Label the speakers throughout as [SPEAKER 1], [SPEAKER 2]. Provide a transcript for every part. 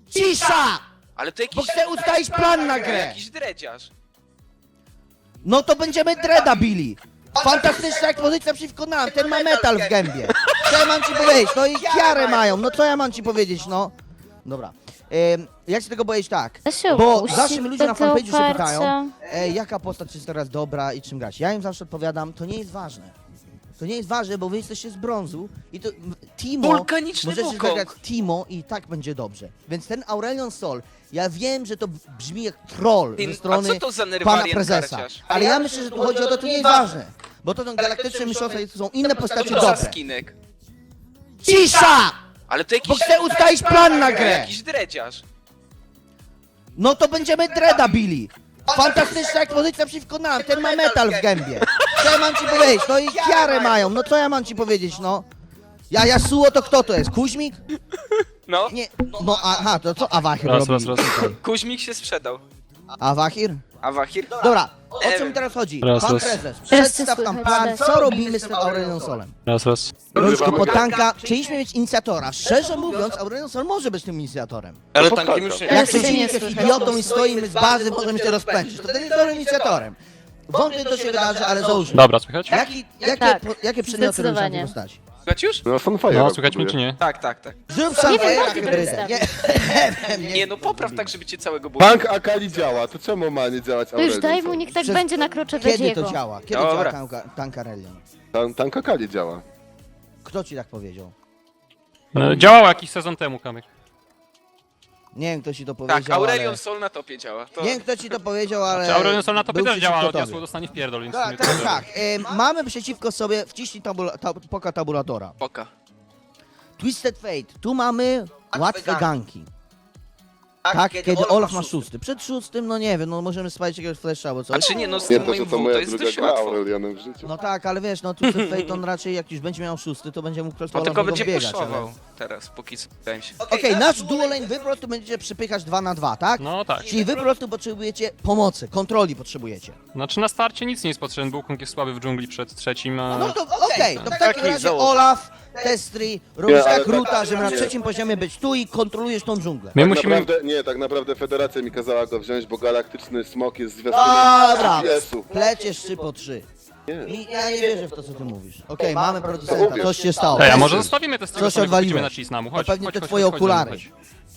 [SPEAKER 1] Cisza!
[SPEAKER 2] Ale to jakiś...
[SPEAKER 1] Bo chcę ustalić plan na grę!
[SPEAKER 2] Jakiś dredziarz.
[SPEAKER 1] No to będziemy Dreada bili! Fantastyczna ekspozycja przeciwko nam, ten ma metal w gębie! Co ja mam ci powiedzieć? No i kiarę mają, no co ja mam ci powiedzieć, no? Dobra. Ja się tego powiedzieć tak,
[SPEAKER 3] Da się
[SPEAKER 1] bo
[SPEAKER 3] opuścić
[SPEAKER 1] zawsze mi ludzie na
[SPEAKER 3] te
[SPEAKER 1] fanpage'u się
[SPEAKER 3] oparcia.
[SPEAKER 1] pytają, jaka postać jest teraz dobra i czym grać. Ja im zawsze odpowiadam, to nie jest ważne. To nie jest ważne, bo wy jesteście z brązu i to Timo,
[SPEAKER 2] Wulkaniczny
[SPEAKER 1] możecie
[SPEAKER 2] Wukong.
[SPEAKER 1] zagrać Timo i tak będzie dobrze. Więc ten Aurelion Sol, ja wiem, że to brzmi jak troll ze
[SPEAKER 2] A
[SPEAKER 1] strony
[SPEAKER 2] co to za
[SPEAKER 1] pana
[SPEAKER 2] Nerwarian
[SPEAKER 1] prezesa.
[SPEAKER 2] karciarz?
[SPEAKER 1] Ale ja myślę, że tu chodzi o to, to nie jest ważne. Bo to są galaktyczne mistrzostwa i to są inne postacie
[SPEAKER 2] Co to za
[SPEAKER 1] dobre.
[SPEAKER 2] skinek?
[SPEAKER 1] Cisza!
[SPEAKER 2] Ale to
[SPEAKER 1] Bo
[SPEAKER 2] jakiś...
[SPEAKER 1] chcę ustalić plan na grę!
[SPEAKER 2] Jakiś dredziarz.
[SPEAKER 1] No to będziemy Dreada bili! Fantastyczna ekspozycja przeciwko nam, ten ma metal w gębie! Co ja mam ci powiedzieć? No i kiarę mają, no co ja mam ci powiedzieć, no? Yasuo to kto to jest? Kuźmik?
[SPEAKER 2] No,
[SPEAKER 1] Nie, no aha, to co Awahir
[SPEAKER 4] Raz,
[SPEAKER 1] robi?
[SPEAKER 4] raz, raz.
[SPEAKER 2] Kuźmik się sprzedał.
[SPEAKER 1] Awahir?
[SPEAKER 2] A Wahir?
[SPEAKER 1] Dobra, o co mi teraz chodzi?
[SPEAKER 4] Raz,
[SPEAKER 1] Pan
[SPEAKER 4] raz.
[SPEAKER 1] prezes,
[SPEAKER 3] Teraz
[SPEAKER 1] przedstaw
[SPEAKER 3] cię
[SPEAKER 1] tam
[SPEAKER 3] słychać,
[SPEAKER 1] plan,
[SPEAKER 3] tak.
[SPEAKER 1] co robimy z tym Aurelion Solem?
[SPEAKER 4] Raz, raz.
[SPEAKER 1] Rączki pod tanka, chcieliśmy mieć inicjatora. Szczerze mówiąc, Aurelion Sol może być tym inicjatorem.
[SPEAKER 5] Ale tankiem już nie.
[SPEAKER 1] Jak
[SPEAKER 3] Teraz
[SPEAKER 1] przeciwnik
[SPEAKER 3] nie
[SPEAKER 1] jest
[SPEAKER 3] słychać.
[SPEAKER 1] idiotą i stoimy z bazy, możemy się rozpędzić, to ten jest dobrym inicjatorem. Wątpię, to się wydarzy, ale załóżmy.
[SPEAKER 4] Dobra, słychać?
[SPEAKER 3] Tak,
[SPEAKER 1] Jakie przedmioty robisz na tej
[SPEAKER 3] zdecydowanie.
[SPEAKER 1] postaci?
[SPEAKER 2] Słuchać już?
[SPEAKER 6] No Sunfire.
[SPEAKER 4] No, słychać mnie czy nie?
[SPEAKER 2] Tak, tak, tak.
[SPEAKER 1] Zrób sam
[SPEAKER 3] Nie wiem,
[SPEAKER 1] fajera
[SPEAKER 3] Martin
[SPEAKER 1] hybrydę.
[SPEAKER 3] przedstawi.
[SPEAKER 2] Nie no, popraw tak, żeby cię całego było.
[SPEAKER 6] Tank Akali działa, to czemu ma nie działać
[SPEAKER 3] To już
[SPEAKER 6] Aurelion
[SPEAKER 3] daj mu,
[SPEAKER 6] Sol?
[SPEAKER 3] niech tak
[SPEAKER 1] Przez-
[SPEAKER 3] będzie na krocze
[SPEAKER 1] Kiedy to
[SPEAKER 3] Dredziego.
[SPEAKER 1] działa? Kiedy
[SPEAKER 2] Dobra.
[SPEAKER 1] działa tank Aurelion?
[SPEAKER 6] Tank Akali działa.
[SPEAKER 1] Kto ci tak powiedział?
[SPEAKER 4] Działało jakiś sezon temu, Kamyk.
[SPEAKER 1] Nie wiem, kto ci to powiedział,
[SPEAKER 2] Tak, Aurelion
[SPEAKER 1] ale...
[SPEAKER 2] Sol na topie działa. To...
[SPEAKER 1] Nie wiem, kto ci to powiedział, ale...
[SPEAKER 4] Czy Aurelion Sol na topie
[SPEAKER 1] był
[SPEAKER 4] też działa, ale
[SPEAKER 1] przeciwko
[SPEAKER 4] od
[SPEAKER 1] tobie.
[SPEAKER 4] Yasuo dostanie w pierdol, więc...
[SPEAKER 1] Tak, tak, tak. Mamy przeciwko sobie, wciśnij poka tabulatora.
[SPEAKER 2] Poka.
[SPEAKER 1] Twisted Fate, tu mamy łatwe ganki. Tak, kiedy Olaf ma szósty. Przed szóstym, no nie wiem, no możemy spalić jakiegoś flasha albo coś.
[SPEAKER 2] A czy nie, no z
[SPEAKER 6] Nie,
[SPEAKER 2] tym
[SPEAKER 6] to, że
[SPEAKER 2] moim
[SPEAKER 6] to
[SPEAKER 2] W to
[SPEAKER 6] moja
[SPEAKER 2] jest
[SPEAKER 6] druga
[SPEAKER 2] dość
[SPEAKER 6] gra
[SPEAKER 2] łatwo.
[SPEAKER 6] Aurelionem w życiu.
[SPEAKER 1] No tak, ale wiesz, no Twisted Fate on raczej jak już będzie miał szósty, to będzie mógł po prostu
[SPEAKER 2] On
[SPEAKER 1] Olaf
[SPEAKER 2] tylko
[SPEAKER 1] niego
[SPEAKER 2] będzie
[SPEAKER 1] wbiegać,
[SPEAKER 2] puszował
[SPEAKER 1] ale...
[SPEAKER 2] teraz, póki co, wydaje mi się.
[SPEAKER 1] Okej, nasz duo lane wy po prostu będziecie przypychać 2 na 2, tak?
[SPEAKER 4] No tak.
[SPEAKER 1] Czyli wy po prostu potrzebujecie pomocy, kontroli potrzebujecie.
[SPEAKER 4] Znaczy na starcie nic nie jest potrzebne, Wukong jest słaby w dżungli przed trzecim, a...
[SPEAKER 1] No to okej, to w takim
[SPEAKER 5] Taki
[SPEAKER 1] razie
[SPEAKER 5] założę.
[SPEAKER 1] Olaf, Testry, robisz
[SPEAKER 6] Nie, ale
[SPEAKER 1] tak
[SPEAKER 6] tak-
[SPEAKER 1] ruta, żeby na
[SPEAKER 6] nie.
[SPEAKER 1] trzecim poziomie być tu i kontrolujesz tą dżunglę.
[SPEAKER 4] My
[SPEAKER 6] Tak
[SPEAKER 4] musimy...
[SPEAKER 6] naprawdę, nie, tak naprawdę Federacja mi kazała go wziąć, bo galaktyczny smok jest
[SPEAKER 1] Dobra,
[SPEAKER 6] zwiastunem GPS-u.
[SPEAKER 1] pleciesz 3 po 3.
[SPEAKER 6] Nie.
[SPEAKER 1] Ja nie wierzę w to, co ty mówisz. Okej, mamy producenta, coś się stało.
[SPEAKER 4] Ej, a może zostawimy te
[SPEAKER 1] Co
[SPEAKER 4] strony,
[SPEAKER 1] się
[SPEAKER 4] sobie
[SPEAKER 1] odwaliłeś?
[SPEAKER 4] pójdziemy na Cisnamu, chodź,
[SPEAKER 1] To pewnie
[SPEAKER 4] chodź,
[SPEAKER 1] te
[SPEAKER 4] chodź,
[SPEAKER 1] twoje
[SPEAKER 4] chodź,
[SPEAKER 1] okulary.
[SPEAKER 4] chodź.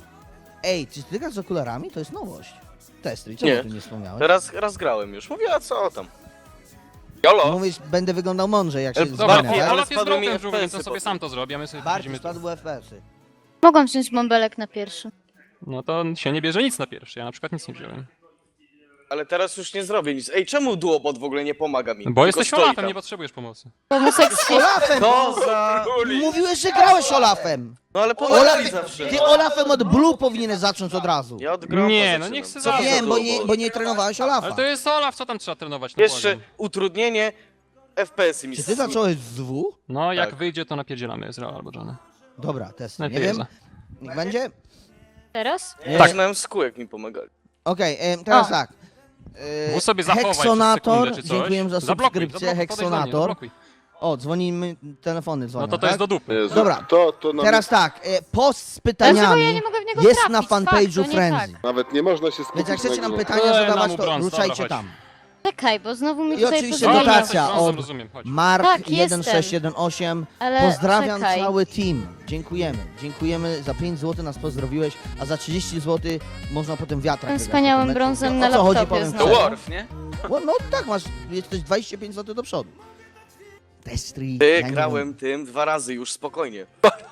[SPEAKER 1] Ej, czy ty grasz z okularami? To jest nowość. Testry, czemu
[SPEAKER 5] Nie.
[SPEAKER 1] ty nie wspomniałeś?
[SPEAKER 5] Raz grałem już. Mówię, a co tam? Jolo!
[SPEAKER 1] Mówisz, będę wyglądał mądrze, jak się
[SPEAKER 4] Dobra,
[SPEAKER 1] zwinę, tak?
[SPEAKER 4] Olaf jest
[SPEAKER 5] spadły mi
[SPEAKER 4] broken w dżungli, więc on
[SPEAKER 5] FPS-y
[SPEAKER 4] sobie
[SPEAKER 5] potem.
[SPEAKER 4] sam to zrobi, a my sobie
[SPEAKER 1] Bardziej
[SPEAKER 4] będziemy...
[SPEAKER 1] spadły FPS-y.
[SPEAKER 3] Mogłam wziąć bąbelek na pierwszy.
[SPEAKER 4] No to się nie bierze nic na pierwszy, ja na przykład nic nie wziąłem.
[SPEAKER 5] Ale teraz już nie zrobię nic. Ej, czemu duobot w ogóle nie pomaga mi?
[SPEAKER 4] Bo
[SPEAKER 5] Tylko
[SPEAKER 4] jesteś
[SPEAKER 5] stoi
[SPEAKER 4] Olafem,
[SPEAKER 5] tam.
[SPEAKER 4] nie potrzebujesz pomocy.
[SPEAKER 3] Pomysek z
[SPEAKER 1] Olafem!
[SPEAKER 5] To za...
[SPEAKER 1] Mówiłeś, że grałeś Olafem!
[SPEAKER 5] No ale pomaga
[SPEAKER 1] Olaf,
[SPEAKER 5] mi zawsze.
[SPEAKER 1] ty Olafem od Blue powinieneś zacząć od razu.
[SPEAKER 5] Ja od groma
[SPEAKER 4] Nie, no
[SPEAKER 5] zaczynam.
[SPEAKER 4] niech se
[SPEAKER 5] Co
[SPEAKER 4] zacznie.
[SPEAKER 5] to
[SPEAKER 1] Wiem,
[SPEAKER 5] za duobot?
[SPEAKER 1] bo nie trenowałeś Olafa.
[SPEAKER 4] Ale to jest Olaf, co tam trzeba trenować? No
[SPEAKER 5] Jeszcze
[SPEAKER 4] błagam.
[SPEAKER 5] utrudnienie FPS-y mi
[SPEAKER 1] Czy ty zacząłeś z W?
[SPEAKER 4] No jak
[SPEAKER 5] Tak.
[SPEAKER 4] wyjdzie, to napierdzielamy Ezreal albo Johnny.
[SPEAKER 1] Dobra, test. Nie
[SPEAKER 4] Najpierw
[SPEAKER 1] wiem. Niech będzie?
[SPEAKER 3] Teraz?
[SPEAKER 1] Nie.
[SPEAKER 5] Zaczynałem z kółek mi pomagali.
[SPEAKER 1] Okej, teraz
[SPEAKER 3] O.
[SPEAKER 1] tak.
[SPEAKER 4] Mów sobie zachować
[SPEAKER 1] Heksonator,
[SPEAKER 4] sekundę czy coś.
[SPEAKER 1] dziękuję za
[SPEAKER 4] Zablokuj,
[SPEAKER 1] subskrypcję,
[SPEAKER 4] zablokuj, podejdź do mnie,
[SPEAKER 1] Heksonator.
[SPEAKER 4] zablokuj.
[SPEAKER 1] O, dzwonimy, telefony dzwonią,
[SPEAKER 4] No to to jest
[SPEAKER 1] tak?
[SPEAKER 4] do dupy.
[SPEAKER 6] Jezu,
[SPEAKER 1] Dobra.
[SPEAKER 6] To na
[SPEAKER 1] Teraz tak, post z
[SPEAKER 3] Dlaczego ja
[SPEAKER 1] pytaniami
[SPEAKER 3] nie mogę w niego
[SPEAKER 1] jest
[SPEAKER 3] trafić?
[SPEAKER 1] na fanpage'u
[SPEAKER 3] Fakt, to nie
[SPEAKER 1] Frenzy.
[SPEAKER 3] tak.
[SPEAKER 6] Nawet nie można się skupić
[SPEAKER 1] Więc jak chcecie nam
[SPEAKER 6] grze.
[SPEAKER 1] pytania
[SPEAKER 4] Ej,
[SPEAKER 1] zadawać,
[SPEAKER 4] nam
[SPEAKER 1] to
[SPEAKER 4] brąz,
[SPEAKER 1] ruszajcie
[SPEAKER 4] dobra,
[SPEAKER 1] tam.
[SPEAKER 3] Czekaj, bo znowu mi
[SPEAKER 1] I
[SPEAKER 3] tutaj
[SPEAKER 1] oczywiście
[SPEAKER 3] pozwoliło.
[SPEAKER 4] Dobra,
[SPEAKER 1] dotacja
[SPEAKER 4] jesteś brązem,
[SPEAKER 1] od
[SPEAKER 4] rozumiem, chodź.
[SPEAKER 1] Mark
[SPEAKER 3] Tak, jestem.
[SPEAKER 1] 1618.
[SPEAKER 3] Ale
[SPEAKER 1] Pozdrawiam
[SPEAKER 3] czekaj.
[SPEAKER 1] cały team. Dziękujemy. Dziękujemy za 5 zł nas pozdrowiłeś, a za 30 zł można potem wiatrak
[SPEAKER 3] Tym
[SPEAKER 1] wygrać.
[SPEAKER 3] wspaniałym
[SPEAKER 1] No,
[SPEAKER 3] brązem
[SPEAKER 1] o
[SPEAKER 3] na
[SPEAKER 1] co chodzi,
[SPEAKER 3] laptopie
[SPEAKER 1] powiem
[SPEAKER 3] znowu.
[SPEAKER 2] To
[SPEAKER 1] szczerze.
[SPEAKER 2] Worf, nie?
[SPEAKER 1] No tak, masz, jesteś 25 zł do przodu. Testry.
[SPEAKER 5] Ty, grałem tym 2 razy już, spokojnie.